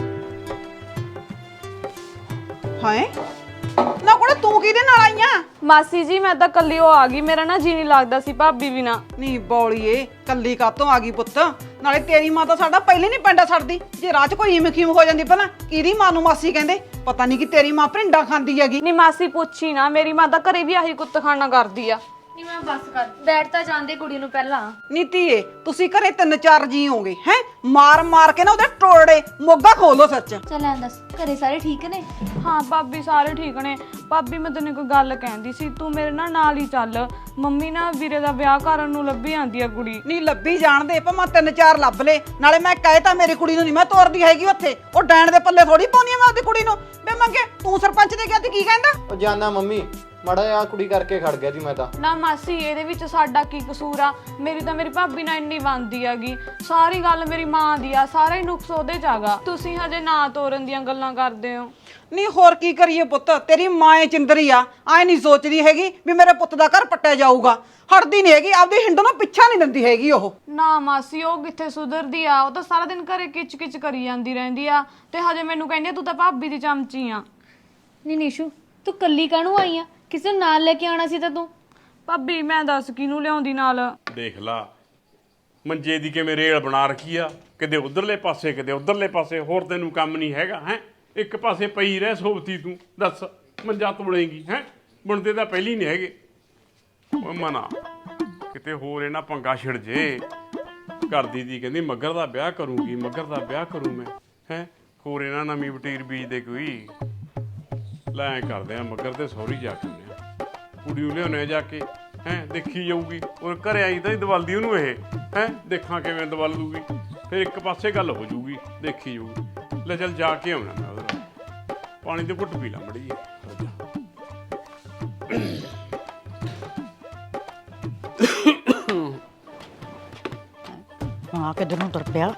S5: ਹਾਏ ਨਾ ਕੋੜੇ ਤੂੰ ਕਿਹਦੇ ਨਾਲ ਆਈਆਂ?
S6: ਮਾਸੀ ਜੀ ਮੈਂ ਤਾਂ ਕੱਲੀ ਉਹ ਆ ਗਈ। ਮੇਰਾ ਨਾ ਜੀ ਨਹੀਂ ਲੱਗਦਾ ਸੀ ਭਾਬੀ ਬਿਨਾ।
S5: ਨਹੀਂ ਬੌਲੀਏ ਕੱਲੀ ਕਾਤੋਂ ਆ ਗਈ ਪੁੱਤ? ਨਾਲੇ ਤੇਰੀ ਮਾਂ ਤਾਂ ਸਾਡਾ ਪਹਿਲੇ ਨਹੀਂ ਪਿੰਡਾ ਛੱਡਦੀ। ਜੇ ਰਾਹ 'ਚ ਕੋਈ ਇਮ ਖੀਮ ਹੋ ਜਾਂਦੀ ਪਹਿਲਾਂ ਕਿਹਦੀ ਮਾਂ ਨੂੰ ਮਾਸੀ ਕਹਿੰਦੇ? ਪਤਾ ਨਹੀਂ ਕਿ ਤੇਰੀ ਮਾਂ ਭਿੰਡਾ ਖਾਂਦੀ ਹੈਗੀ।
S6: ਨਹੀਂ ਮਾਸੀ ਪੁੱਛੀ ਨਾ, ਮੇਰੀ ਮਾਂ ਤਾਂ ਘਰੇ ਵੀ ਆਹੀ ਕੁੱਤਖਾਨਾ ਕਰਦੀ ਆ।
S4: ਨਹੀਂ ਮੈਂ ਬਸ ਕਰ ਬੈਠ ਤਾਂ ਜਾਂਦੇ ਕੁੜੀ ਨੂੰ ਪਹਿਲਾਂ।
S5: ਨੀਤੀਏ ਤੁਸੀਂ ਘਰੇ ਤਿੰਨ ਚਾਰ ਜੀ ਹੋਗੇ ਹੈ ਮਾਰ ਮਾਰ ਕੇ ਨਾ ਉਹਦੇ ਟੋੜੇ ਮੋਗਾ ਖੋਲੋ ਸੱਚ।
S4: ਚੱਲ ਐਂ ਦੱਸ ਘਰੇ ਸਾਰੇ ਠੀਕ ਨੇ?
S6: ਹਾਂ ਭਾਬੀ ਸਾਰੇ ਠੀਕ ਨੇ। ਭਾਬੀ ਮੈਂ ਤੈਨੂੰ ਕੋਈ ਗੱਲ ਕਹਿੰਦੀ ਸੀ, ਤੂੰ ਮੇਰੇ ਨਾਲ ਨਾਲ ਹੀ ਚੱਲ। ਮੰਮੀ ਨਾ ਵੀਰੇ ਦਾ ਵਿਆਹ ਕਰਨ ਨੂੰ ਲੱਭੀ ਆਂਦੀ ਆ ਕੁੜੀ।
S5: ਨਹੀਂ ਲੱਭੀ ਜਾਣਦੇ ਭਾਵੇਂ ਤਿੰਨ ਚਾਰ ਲੱਭ ਲੇ, ਨਾਲੇ ਮੈਂ ਕਹੇ ਤਾਂ ਮੇਰੀ ਕੁੜੀ ਨੂੰ ਨਹੀਂ ਮੈਂ ਤੋਰਦੀ ਹੈਗੀ ਉੱਥੇ। ਉਹ ਡੈਣ ਦੇ ਪੱਲੇ ਥੋੜੀ ਪਾਉਣੀ ਆ ਮੈਂ ਉਹਦੀ ਕੁੜੀ ਨੂੰ। ਬੇ ਮੰਗੇ ਤੂੰ ਸਰਪੰਚ ਦੇ ਗਿਆ ਤੇ ਕੀ ਕਹਿੰਦਾ?
S7: ਉਹ ਜਾਨਾ ਮੰਮੀ ਮਾੜਾ ਜਿਹਾ ਕੁੜੀ ਕਰਕੇ ਖੜ ਗਿਆ ਜੀ ਮੈਂ ਤਾਂ।
S6: ਨਾ ਮਾਸੀ ਇਹਦੇ ਵਿੱਚ ਸਾਡਾ ਕੀ ਕਸੂਰ ਆ? ਮੇਰੀ ਤਾਂ ਮੇਰੀ ਭਾਬੀ ਨਾਲ ਇੰਨੀ ਬਣਦੀ ਹੈਗੀ। ਸਾਰੀ ਗੱਲ ਮੇਰੀ ਮਾਂ ਦੀ ਆ, ਸਾਰਾ ਹੀ ਨੁਕਸ ਉਹਦੇ ਚ ਆਗਾ। ਤੁਸੀਂ ਹਜੇ ਨਾ ਤੋਰਨ ਦੀਆਂ ਗੱਲਾਂ ਕਰਦੇ ਹੋ।
S5: ਨਹੀਂ ਹੋਰ ਕੀ ਕਰੀਏ ਪੁੱਤ, ਤੇਰੀ ਮਾਂ ਏ ਚਿੰਦਰੀ ਆ, ਐ ਨਹੀਂ ਸੋਚਦੀ ਹੈਗੀ ਵੀ ਮੇਰੇ ਪੁੱਤ ਦਾ ਘਰ ਪੱਟਿਆ ਜਾਊਗਾ। ਹਟਦੀ ਨਹੀਂ ਹੈਗੀ, ਆਪਦੀ ਹਿੰਡ ਨੂੰ ਪਿੱਛਾ ਨਹੀਂ ਦਿੰਦੀ ਹੈਗੀ ਉਹ।
S6: ਨਾ ਮਾਸੀ ਉਹ ਕਿੱਥੇ ਸੁਧਰਦੀ ਆ, ਉਹ ਤਾਂ ਸਾਰਾ ਦਿਨ ਘਰੇ ਕਿਚ ਕਿਚ ਕਰੀ ਜਾਂਦੀ ਰਹਿੰਦੀ ਆ ਤੇ ਹਜੇ ਮੈਨੂੰ ਕਹਿੰਦੀ ਆ ਤੂੰ ਤਾਂ ਭਾਬੀ ਦੀ ਚਮਚੀ ਆ।
S4: ਨਹੀਂ ਨੀਸ਼ੂ ਤੂੰ ਕੱਲੀ ਕਾਹਨੂੰ ਆਈ ਆ? ਕਿਸੇ ਨੂੰ ਨਾਲ ਲੈ ਕੇ ਆਉਣਾ ਸੀ ਤਾਂ ਤੂੰ।
S6: ਭਾਬੀ ਮੈਂ ਦੱਸ ਕਿਹਨੂੰ ਲਿਆਉਂਦੀ ਨਾਲ?
S2: ਦੇਖ ਲਾ ਮੰਜੇ ਦੀ ਕਿਵੇਂ ਰੇਲ ਬਣਾ ਰੱਖੀ ਆ, ਕਿਤੇ ਉਧਰਲੇ ਪਾਸੇ ਕਿਤੇ ਉਧਰਲੇ ਪਾਸੇ। ਹੋਰ ਤੈਨੂੰ ਕੰਮ ਨਹੀਂ ਹੈਗਾ ਹੈ? ਇੱਕ ਪਾਸੇ ਪਈ ਰਹਿ ਸੋਬਤੀ ਤੂੰ, ਦੱਸ ਮੰਜਾ ਤੋੜੇਂਗੀ ਹੈ? ਬੁਣਦੇ ਤਾਂ ਪਹਿਲੀ ਨਹੀਂ ਹੈਗੇ। ਓਏ ਮਨਾ ਕਿਤੇ ਹੋਰ ਇਹਨਾਂ ਪੰਗਾ ਛਿੜ ਜੇ। ਕਰਦੀ ਦੀ ਕਹਿੰਦੀ ਮੱਗਰ ਦਾ ਵਿਆਹ ਕਰੂੰਗੀ, ਮੱਗਰ ਦਾ ਵਿਆਹ ਕਰੂੰ ਮੈਂ ਹੈ। ਹੋਰ ਇਹਨਾਂ ਨਵੀਂ ਵਟੀਰ ਬੀਜਦੇ ਕੋਈ। ਲੈ ਐਂ ਕਰਦੇ ਆ ਮੱਗਰ ਤੇ ਸਹੁਰੀ ਜਾ ਕੇ ਆਉਂਦੇ ਆ, ਕੁੜੀ ਨੂੰ ਲਿਆਉਂਦੇ ਆ ਜਾ ਕੇ ਹੈ। ਦੇਖੀ ਜਾਊਗੀ ਔਰ ਘਰੇ ਆਈ ਤਾਂ ਹੀ ਦਵਾਲਦੀ ਉਹਨੂੰ ਇਹ ਹੈ। ਦੇਖਾਂ ਕਿਵੇਂ ਦਵਾਲ ਦੂਗੀ, ਫਿਰ ਇੱਕ ਪਾਸੇ ਗੱਲ ਹੋ ਜੂਗੀ, ਦੇਖੀ ਜਾਊਗੀ। ਲੈ ਚੱਲ ਜਾ ਕੇ ਆਉਣਾ ਮੈਂ ਉਹਦੇ ਨਾਲ। ਪਾਣੀ ਦੇ ਘੁੱਟ ਪੀ ਲਾ ਮੜੀ ਜੀ।
S1: ਹਾਂ ਕਿੱਧਰ ਨੂੰ ਤੁਰ ਪਿਆ?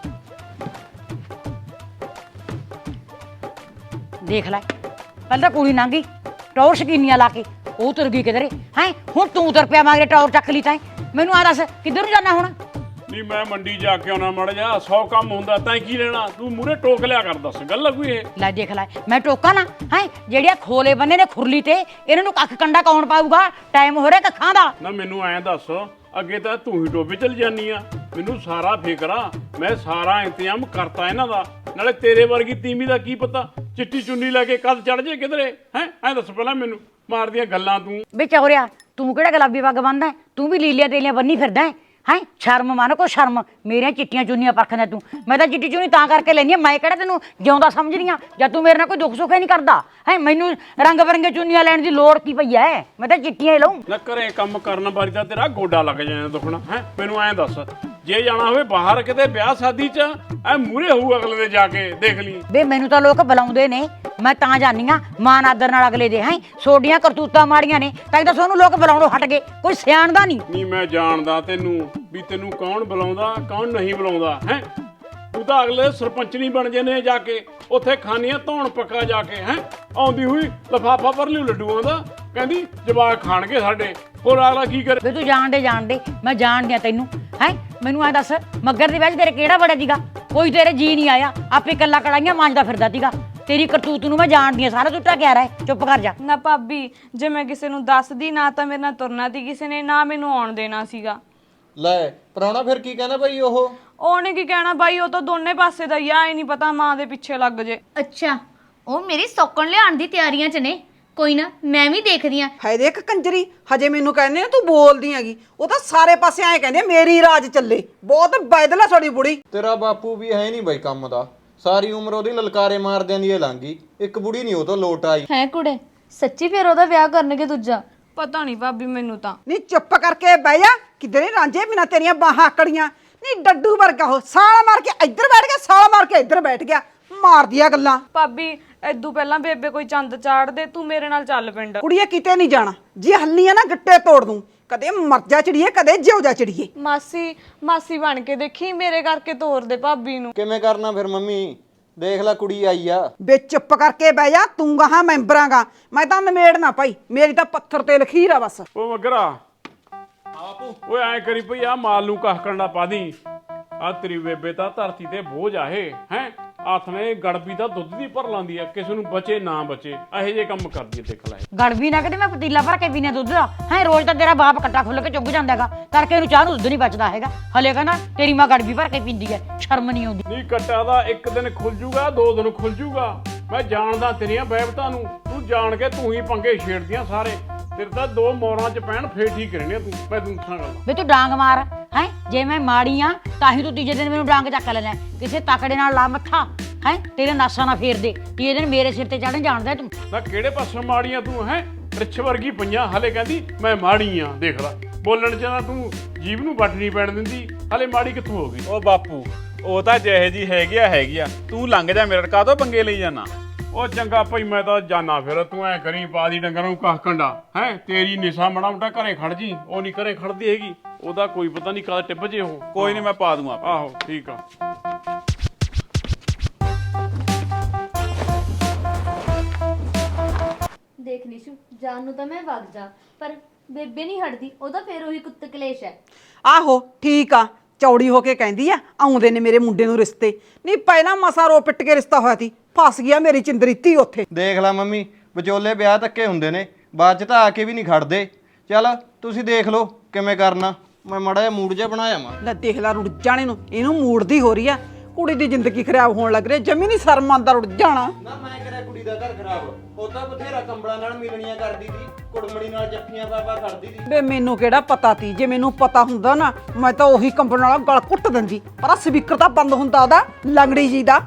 S1: ਦੇਖ ਲੈ ਪਹਿਲਾਂ ਕੁੜੀ ਲੰਘ ਗਈ ਟੌਰ ਸ਼ਕੀਨੀਆਂ ਲਾ ਕੇ, ਉਹ ਤੁਰ ਗਈ ਕਿਧਰੇ ਹੈ। ਹੁਣ ਤੂੰ ਤੁਰ ਪਿਆ ਮਗਰੇ ਟੌਰ ਚੱਕ ਲਈ। ਤਾਂ ਮੈਨੂੰ ਆ ਦੱਸ ਕਿੱਧਰ ਨੂੰ ਜਾਣਾ ਹੁਣ?
S2: ਨਹੀਂ ਮੈਂ ਮੰਡੀ ਜਾ ਕੇ ਆਉਣਾ ਮੜ ਜਾ, ਸੌ ਕੰਮ ਹੁੰਦਾ ਤਾਂ ਕੀ ਲੈਣਾ? ਤੂੰ ਮੂਰੇ ਟੋਕ ਲਿਆ ਕਰ, ਦੱਸ ਗੱਲ ਕੋਈ ਇਹ?
S1: ਲੈ ਦੇਖ ਲੈ ਮੈਂ ਟੋਕਾ ਨਾ ਹੈ? ਜਿਹੜੀਆਂ ਖੋਲੇ ਬੰਨੇ ਨੇ ਖੁਰਲੀ ਤੇ ਇਹਨਾਂ ਨੂੰ ਕੱਖ ਕੰਡਾ ਕੌਣ ਪਾਊਗਾ? ਟਾਈਮ ਹੋ ਰਿਹਾ ਕੱਖਾਂ ਦਾ।
S2: ਨਾ ਮੈਨੂੰ ਐਂ ਦੱਸ, ਅੱਗੇ ਤਾਂ ਤੂੰ ਹੀ ਟੋਬੇ ਚਲ ਜਾਨੀ ਆ, ਮੈਨੂੰ ਸਾਰਾ ਫਿਕਰ ਆ। ਮੈਂ ਸਾਰਾ ਇੰਤਜ਼ਾਮ ਕਰਤਾ ਇਹਨਾਂ ਦਾ। ਨਾਲੇ ਤੇਰੇ ਵਰਗੀ ਤੀਮੀ ਦਾ ਕੀ ਪਤਾ ਚਿੱਟੀ ਚੁੰਨੀ ਲੈ ਕੇ ਕਦ ਚੜ ਜੇ ਕਿਧਰੇ ਹੈ। ਐਂ ਦੱਸ ਪਹਿਲਾਂ ਮੈਨੂੰ, ਮਾਰਦੀਆਂ ਗੱਲਾਂ ਤੂੰ।
S1: ਵੇ ਚੌਰਿਆ ਤੂੰ ਕਿਹੜਾ ਗੁਲਾਬੀ ਪੱਗ ਬੰਨਦਾ? ਤੂੰ ਵੀ ਲੀਲੀਆਂ ਤੇਲੀਆਂ ਬੰਨੀ ਫਿਰਦਾ ਹੈ ਹੈਂ? ਸ਼ਰਮ ਮੰਨ ਕੋ ਸ਼ਰਮ। ਮੇਰੀਆਂ ਚਿੱਟੀਆਂ ਚੁੰਨੀਆਂ ਪਰਖਦਾ ਤੂੰ। ਮੈਂ ਤਾਂ ਚਿੱਟੀ ਚੁੰਨੀ ਤਾਂ ਕਰਕੇ ਲੈਂਦੀ ਆ, ਮੈਂ ਕਿਹੜਾ ਤੈਨੂੰ ਜਿਉਂਦਾ ਸਮਝਦੀ ਆ? ਜਾਂ ਤੂੰ ਮੇਰੇ ਨਾਲ ਕੋਈ ਦੁੱਖ ਸੁੱਖ ਹੀ ਨਹੀਂ ਕਰਦਾ ਹੈ? ਮੈਨੂੰ ਰੰਗ ਬਰੰਗੇ ਚੁੰਨੀਆਂ ਲੈਣ ਦੀ ਲੋੜ ਕੀ ਪਈ ਐ? ਮੈਂ ਤਾਂ ਚਿੱਟੀਆਂ ਹੀ ਲਊਂ।
S2: ਨਾ ਘਰੇ ਕੰਮ ਕਰਨ ਬਾਰੀ ਤਾਂ ਤੇਰਾ ਗੋਡਾ ਲੱਗ ਜਾਣਾ ਦੁਖਣਾ ਹੈ। ਮੈਨੂੰ ਐਂ ਦੱਸ, ਜੇ ਜਾਣਾ ਹੋਵੇ ਬਾਹਰ ਕਿਤੇ ਵਿਆਹ ਸ਼ਾਦੀ 'ਚ ਐ ਮੂਹਰੇ ਹੋਊ ਅਗਲੇ ਦੇ ਜਾ ਕੇ ਦੇਖ ਲਈ।
S1: ਵੇ ਮੈਨੂੰ ਤਾਂ ਲੋਕ ਬੁਲਾਉਂਦੇ ਨੇ, ਮੈਂ ਤਾਂ ਜਾਨੀ ਆ ਮਾਨ ਆਦਰ ਨਾਲ ਅਗਲੇ ਦੇ। ਹੈ ਸੋਡੀਆਂ ਕਰਤੂਤਾਂ ਮਾੜੀਆਂ ਨੇ ਤਾਂ ਤਾਂ ਤੁਹਾਨੂੰ ਲੋਕ ਬੁਲਾਉਣੋਂ ਹਟ ਗਏ, ਕੋਈ ਸਿਆਣਦਾ ਨਹੀਂ।
S2: ਨਹੀਂ ਮੈਂ ਜਾਣਦਾ ਤੈਨੂੰ ਵੀ ਤੈਨੂੰ ਕੌਣ ਬੁਲਾਉਂਦਾ ਕੌਣ ਨਹੀਂ ਬੁਲਾਉਂਦਾ ਹੈ। ਤੂੰ ਤਾਂ ਅਗਲੇ ਸਰਪੰਚ ਨਹੀਂ ਬਣ ਜਨੇ ਜਾ ਕੇ ਉੱਥੇ ਖਾਨੀਆਂ ਧੌਣ ਪੱਕਾ ਜਾ ਕੇ ਹੈ। ਆਉਂਦੀ ਹੋਈ ਲਫਾਫਾ ਭਰ ਲਿਓ ਲੱਡੂਆਂ ਦਾ, ਕਹਿੰਦੀ ਜਵਾਕ ਖਾਣਗੇ ਸਾਡੇ। ਹੋਰ ਅਗਲਾ ਕੀ ਕਰੇ?
S1: ਵੇ ਤੂੰ ਜਾਣਦੇ ਜਾਣਦੇ ਮੈਂ ਜਾਣਦੀ ਆ ਤੈਨੂੰ ਹੈ। ਮੈਨੂੰ ਐ ਦੱਸ ਮੱਗਰ ਦੇ ਵਿੱਚ ਤੇਰੇ ਕਿਹੜਾ ਬੜਾ ਸੀਗਾ? ਕੋਈ ਤੇਰੇ ਜੀ ਨਹੀਂ ਆਇਆ, ਆਪੇ ਕੱਲਾ ਕੜਾਈਆਂ ਮਾਂਜਦਾ ਫਿਰਦਾ ਸੀਗਾ। ਤੇਰੀ ਕਰਤੂਤ ਨੂੰ ਮੈਂ ਜਾਣਦੀ ਆ ਸਾਰਾ। ਤੂੰ ਟਕਿਆ ਰਹਿ, ਚੁੱਪ ਕਰ ਜਾ।
S6: ਨਾ ਭਾਬੀ ਜੇ ਮੈਂ ਕਿਸੇ ਨੂੰ ਦੱਸਦੀ ਨਾ ਤਾਂ ਮੇਰੇ ਨਾਲ ਤੁਰਨਾ ਸੀ ਕਿਸੇ ਨੇ, ਨਾ ਮੈਨੂੰ ਆਉਣ ਦੇਣਾ ਸੀਗਾ।
S7: ਲੈ ਪ੍ਰਾਹੁਣਾ ਫਿਰ ਕੀ ਕਹਿੰਦਾ ਭਾਈ? ਉਹ
S6: ਉਹਨੇ ਕੀ ਕਹਿਣਾ ਬਾਈ, ਉਹ ਤਾਂ ਦੋਨੇ ਪਾਸੇ ਦਾ ਹੀ ਆ, ਇਹ ਨਹੀਂ ਪਤਾ ਮਾਂ ਦੇ ਪਿੱਛੇ ਲੱਗ ਜੇ।
S4: ਅੱਛਾ ਉਹ ਮੇਰੀ ਸੌਕਣ ਲਿਆਉਣ ਦੀ ਤਿਆਰੀਆਂ 'ਚ ਨੇ। ਕੋਈ ਨਾ ਮੈਂ ਵੀ ਦੇਖਦੀ ਆ।
S5: ਹਾਏ ਦੇਖ ਕੰਜਰੀ, ਹਜੇ ਮੈਨੂੰ ਕਹਿੰਦੇ ਨੇ ਤੂੰ ਬੋਲਦੀ ਹੈਗੀ। ਉਹ ਤਾਂ ਸਾਰੇ ਪਾਸੇ ਐਂ ਕਹਿੰਦੇ ਮੇਰੀ ਰਾਜ ਚੱਲੇ। ਬਹੁਤ ਬੈਦਲਾ ਤੁਹਾਡੀ ਬੁੜੀ।
S7: ਤੇਰਾ ਬਾਪੂ ਵੀ ਹੈ ਨਹੀਂ ਬਾਈ ਕੰਮ ਦਾ, ਸਾਰੀ ਉਮਰ ਉਹਦੀ ਲਲਕਾਰੇ ਮਾਰਦਿਆਂ ਦੀ ਲੰਘ ਗਈ, ਇੱਕ ਬੁੜੀ ਨਹੀਂ ਉਹ ਤੋਂ ਲੋਟ ਆਈ।
S4: ਹੈ ਕੁੜੇ ਸੱਚੀ ਫਿਰ ਉਹਦਾ ਵਿਆਹ ਕਰਨਗੇ ਦੂਜਾ?
S6: ਪਤਾ ਨਹੀਂ ਭਾਬੀ ਮੈਨੂੰ ਤਾਂ।
S5: ਨਹੀਂ ਚੁੱਪ ਕਰਕੇ ਬਹਿ ਜਾ, ਕਿਧਰੇ ਰਾਂਝੇ ਬਿਨਾ ਤੇਰੀਆਂ ਬਾਹਾਂ ਆਕੜੀਆਂ। ਨਹੀਂ ਡੱਡੂ ਵਰਗਾ ਉਹ, ਸਾਲ ਮਾਰ ਕੇ ਇੱਧਰ ਬੈਠ ਗਿਆ, ਸਾਲ ਮਾਰ ਕੇ ਇੱਧਰ ਬੈਠ ਗਿਆ, ਮਾਰਦੀਆਂ ਗੱਲਾਂ।
S6: ਭਾਬੀ ਐਦੂ ਪਹਿਲਾਂ ਬੇਬੇ ਕੋਈ ਚੰਦ ਚਾੜ ਦੇ, ਤੂੰ ਮੇਰੇ ਨਾਲ ਚੱਲ ਪਿੰਡ।
S5: ਕੁੜੀਏ ਕਿਤੇ ਨਹੀਂ ਜਾਣਾ, ਜੇ ਹੱਲੀ ਆ ਨਾ ਗੱਟੇ ਤੋੜ ਦੂੰ। ਕਦੇ ਮਰ ਜਾ ਚੜੀਏ, ਕਦੇ ਜਿਉ ਜਾ ਚੜੀਏ।
S6: ਮਾਸੀ ਮਾਸੀ ਬਣ ਕੇ ਦੇਖੀ, ਮੇਰੇ ਕਰਕੇ ਤੋਰ ਦੇ ਭਾਬੀ ਨੂੰ।
S7: ਕਿਵੇਂ ਕਰਨਾ ਫਿਰ ਮੰਮੀ? ਦੇਖ ਲੈ ਕੁੜੀ ਆਈ ਆ।
S5: ਵੇ ਚੁੱਪ ਕਰਕੇ ਬਹਿ ਜਾ, ਤੂੰ ਗਾਹਾਂ ਮੈਂਬਰਾਂਗਾ, ਮੈਂ ਤਾਂ ਨਿਮੇੜਨਾ ਭਾਈ। ਮੇਰੀ ਤਾਂ ਪੱਥਰ ਤੇ ਲਖੀਰ ਆ ਬਸ।
S2: ਉਹ ਮਗਰਾ ਆਪੂ ਓਏ ਐ ਕਰੀ ਪਈ ਆ ਮਾਲ ਨੂੰ ਕਾਹ ਕੰਡਾ ਪਾ ਦੀ। ਆ ਤੇਰੀ ਬੇਬੇ ਤਾਂ ਧਰਤੀ ਤੇ ਬੋਝ ਆਹੇ ਹੈ। ਹੱਥ ਨੇ ਗੜਬੀ ਦਾ ਦੁੱਧ ਦੀ ਭਰ ਲਾਂਦੀ ਆ, ਕਿਸੇ ਨੂੰ ਬਚੇ ਨਾ ਬਚੇ ਇਹੋ ਜਿਹੇ ਕੰਮ ਕਰਦੀ ਆ। ਦੇਖ ਲੈ
S1: ਗੜਬੀ ਨਾ ਕਿਤੇ ਮੈਂ ਪਤੀਲਾ ਭਰ ਕੇ ਪੀਨੇ ਦੁੱਧ ਦਾ ਹੈ। ਰੋਜ਼ ਤਾਂ ਤੇਰਾ ਬਾਪ ਕੱਟਾ ਖੁੱਲ ਕੇ ਚੁੱਗ ਜਾਂਦਾ ਹੈਗਾ, ਕਰਕੇ ਇਹਨੂੰ ਚਾਹ ਨੂੰ ਦੁੱਧ ਨਹੀਂ ਬਚਦਾ ਹੈਗਾ। ਹਲੇ ਕਹਿੰਦਾ ਤੇਰੀ ਮਾਂ ਗੜਬੀ ਭਰ ਕੇ ਪੀਂਦੀ ਹੈ, ਸ਼ਰਮ ਨਹੀਂ ਆਉਂਦੀ।
S2: ਨਹੀਂ ਕੱਟਾ ਦਾ ਇੱਕ ਦਿਨ ਖੁੱਲ ਜੂਗਾ, ਦੋ ਦਿਨ ਖੁੱਲ ਜੂਗਾ। ਮੈਂ ਜਾਣਦਾ ਤੇਰੀਆਂ ਬੈਬਤਾਂ ਨੂੰ, ਤੂੰ ਜਾਣ ਕੇ ਤੂੰ ਹੀ ਪੰਗੇ ਛੇੜਦੀਆਂ ਸਾਰੇ।
S3: ਤੇਰੇ ਤਾਂ ਦੋ ਮੋਰਾਂ ਚ ਪੈਣ ਫੇਰ ਠੀਕ ਰਹਿਣੇ ਤੂੰ ਮੈਂ ਤੂੰ ਦੱਸਾਂ ਗੱਲ
S1: ਵੇ ਤੂੰ ਡਾਂਗ ਮਾਰ ਹੈ ਜੇ ਮੈਂ ਮਾੜੀ ਆ ਤਾਂ ਹੀ ਤੂੰ ਤੀਜੇ ਦਿਨ ਮੈਨੂੰ ਡਾਂਗ ਚੱਕ ਲੈਣਾ ਕਿਸੇ ਤਕੜੇ ਨਾਲ ਲਾ ਮੱਥਾ ਹੈ ਤੇਰੇ ਨਾਸਾਂ ਨਾ ਫੇਰ ਦੇ ਤੀਜੇ ਦਿਨ ਮੇਰੇ ਸਿਰ ਤੇ ਚੜਨ ਜਾਣਦਾ ਤੂੰ
S3: ਨਾ ਕਿਹੜੇ ਪਾਸੋਂ ਮਾੜੀਆਂ ਤੂੰ ਹੈ ਰਿੱਛ ਵਰਗੀ ਪਈਆਂ ਹਲੇ ਕਹਿੰਦੀ ਮੈਂ ਮਾੜੀ ਆ ਦੇਖ ਲੈ ਬੋਲਣ ਚ ਨਾ ਤੂੰ ਜੀਭ ਨੂੰ ਵੱਟ ਨਹੀਂ ਪੈਣ ਦਿੰਦੀ ਹਲੇ ਮਾੜੀ ਕਿੱਥੋਂ ਹੋ ਗਈ
S8: ਉਹ ਬਾਪੂ ਉਹ ਤਾਂ ਜਿਹੇ ਜੀ ਹੈਗੀ ਆ ਹੈਗੀ ਆ ਤੂੰ ਲੰਘ ਜਾ ਮੇਰੇ ਕਾਹਤੋਂ ਪੰਗੇ ਲਈ ਜਾਣਾ
S3: ਉਹ ਚੰਗਾ ਭਾਈ ਮੈਂ ਤਾਂ ਜਾਣਾ ਫਿਰ ਤੂੰ ਐ ਕਰੀ ਬਾਦੀ ਡੰਗਰਾਂ ਨੂੰ ਕਾਹ ਕੰਡਾ ਹੈ ਤੇਰੀ ਨਿਸ਼ਾ ਮੜਾ ਮੋਟਾ ਘਰੇ ਖੜ ਜੀ ਉਹ ਨਹੀਂ ਘਰੇ ਖੜਦੀ ਹੈਗੀ ਉਹਦਾ ਕੋਈ ਪਤਾ ਨਹੀਂ ਕਦ ਟਿੱਪ ਜੇ ਉਹ
S8: ਕੋਈ ਨਹੀਂ ਮੈਂ ਪਾ ਦੂੰ ਆਪੇ
S3: ਆਹੋ ਠੀਕ ਆ
S4: ਦੇਖ ਨੀਸ਼ੂ ਜਾਨ ਨੂੰ ਤਾਂ ਮੈਂ ਵਗ ਜਾ ਪਰ ਬੇਬੇ ਨਹੀਂ ਹਟਦੀ ਉਹਦਾ ਫੇਰ ਉਹੀ ਕੁੱਤ ਕਲੇਸ਼ ਹੈ।
S5: ਆਹੋ ਠੀਕ ਆ ਚੌੜੀ ਹੋ ਕੇ ਕਹਿੰਦੀ ਆ ਆਉਂਦੇ ਨੇ ਮੇਰੇ ਮੁੰਡੇ ਨੂੰ ਰਿਸ਼ਤੇ ਨਹੀਂ ਪਹਿਲਾਂ ਮਸਾ ਰੋ ਪਿੱਟ ਕੇ ਰਿਸ਼ਤਾ ਹੋਇਆ ਸੀ ਫਸ ਗਿਆ ਮੇਰੀ ਚਿੰਦਰੀਤੀ ਉੱਥੇ
S7: ਦੇਖ ਲੈ ਮੰਮੀ ਵਿਚੋਲੇ ਵਿਆਹ ਧੱਕੇ ਹੁੰਦੇ ਨੇ ਬਾਅਦ ਚ ਤਾਂ ਆ ਕੇ ਵੀ ਨਹੀਂ ਖੜਦੇ ਚੱਲ ਤੁਸੀਂ ਦੇਖ ਲਓ ਕਿਵੇਂ ਕਰਨਾ ਮੈਂ ਮਾੜਾ ਜਿਹਾ ਮੂਡ ਜਿਹਾ ਬਣਾਇਆ ਮਾ
S5: ਲੈ ਦੇਖ ਲੈ ਰੁੜ ਜਾਣੇ ਨੂੰ ਇਹਨੂੰ ਮੂਡ ਦੀ ਹੋ ਰਹੀ ਆ ਕੁੜੀ ਦੀ ਜ਼ਿੰਦਗੀ ਖਰਾਬ ਹੋਣ ਲੱਗ ਰਹੀ ਜਮੀ ਨਹੀਂ ਸ਼ਰਮ ਆਉਂਦਾ ਰੁੜ ਜਾਣਾ
S7: ਨਾ ਮੈਂ ਕਰਿਆ ਕੁੜੀ ਦਾ ਘਰ ਖਰਾਬ ਉਹ ਤਾਂ ਬਥੇਰਾ ਕੰਬਲਾਂ ਨਾਲ ਮਿਲਣੀਆਂ ਕਰਦੀ ਸੀ ਕੁੜਮਣੀ ਨਾਲ ਜੱਫੀਆਂ ਪਾਪਾ ਕਰਦੀ ਸੀ
S5: ਬੇ ਮੈਨੂੰ ਕਿਹੜਾ ਪਤਾ ਤੀ ਜੇ ਮੈਨੂੰ ਪਤਾ ਹੁੰਦਾ ਨਾ ਮੈਂ ਤਾਂ ਉਹੀ ਕੰਬਣ ਵਾਲਾ ਗਲ ਕੁੱਟ ਦਿੰਦੀ ਪਰ ਸਪੀਕਰ ਤਾਂ ਬੰਦ ਹੁੰਦਾ ਉਹਦਾ ਲੰਗੜੀ ਜੀ ਦਾ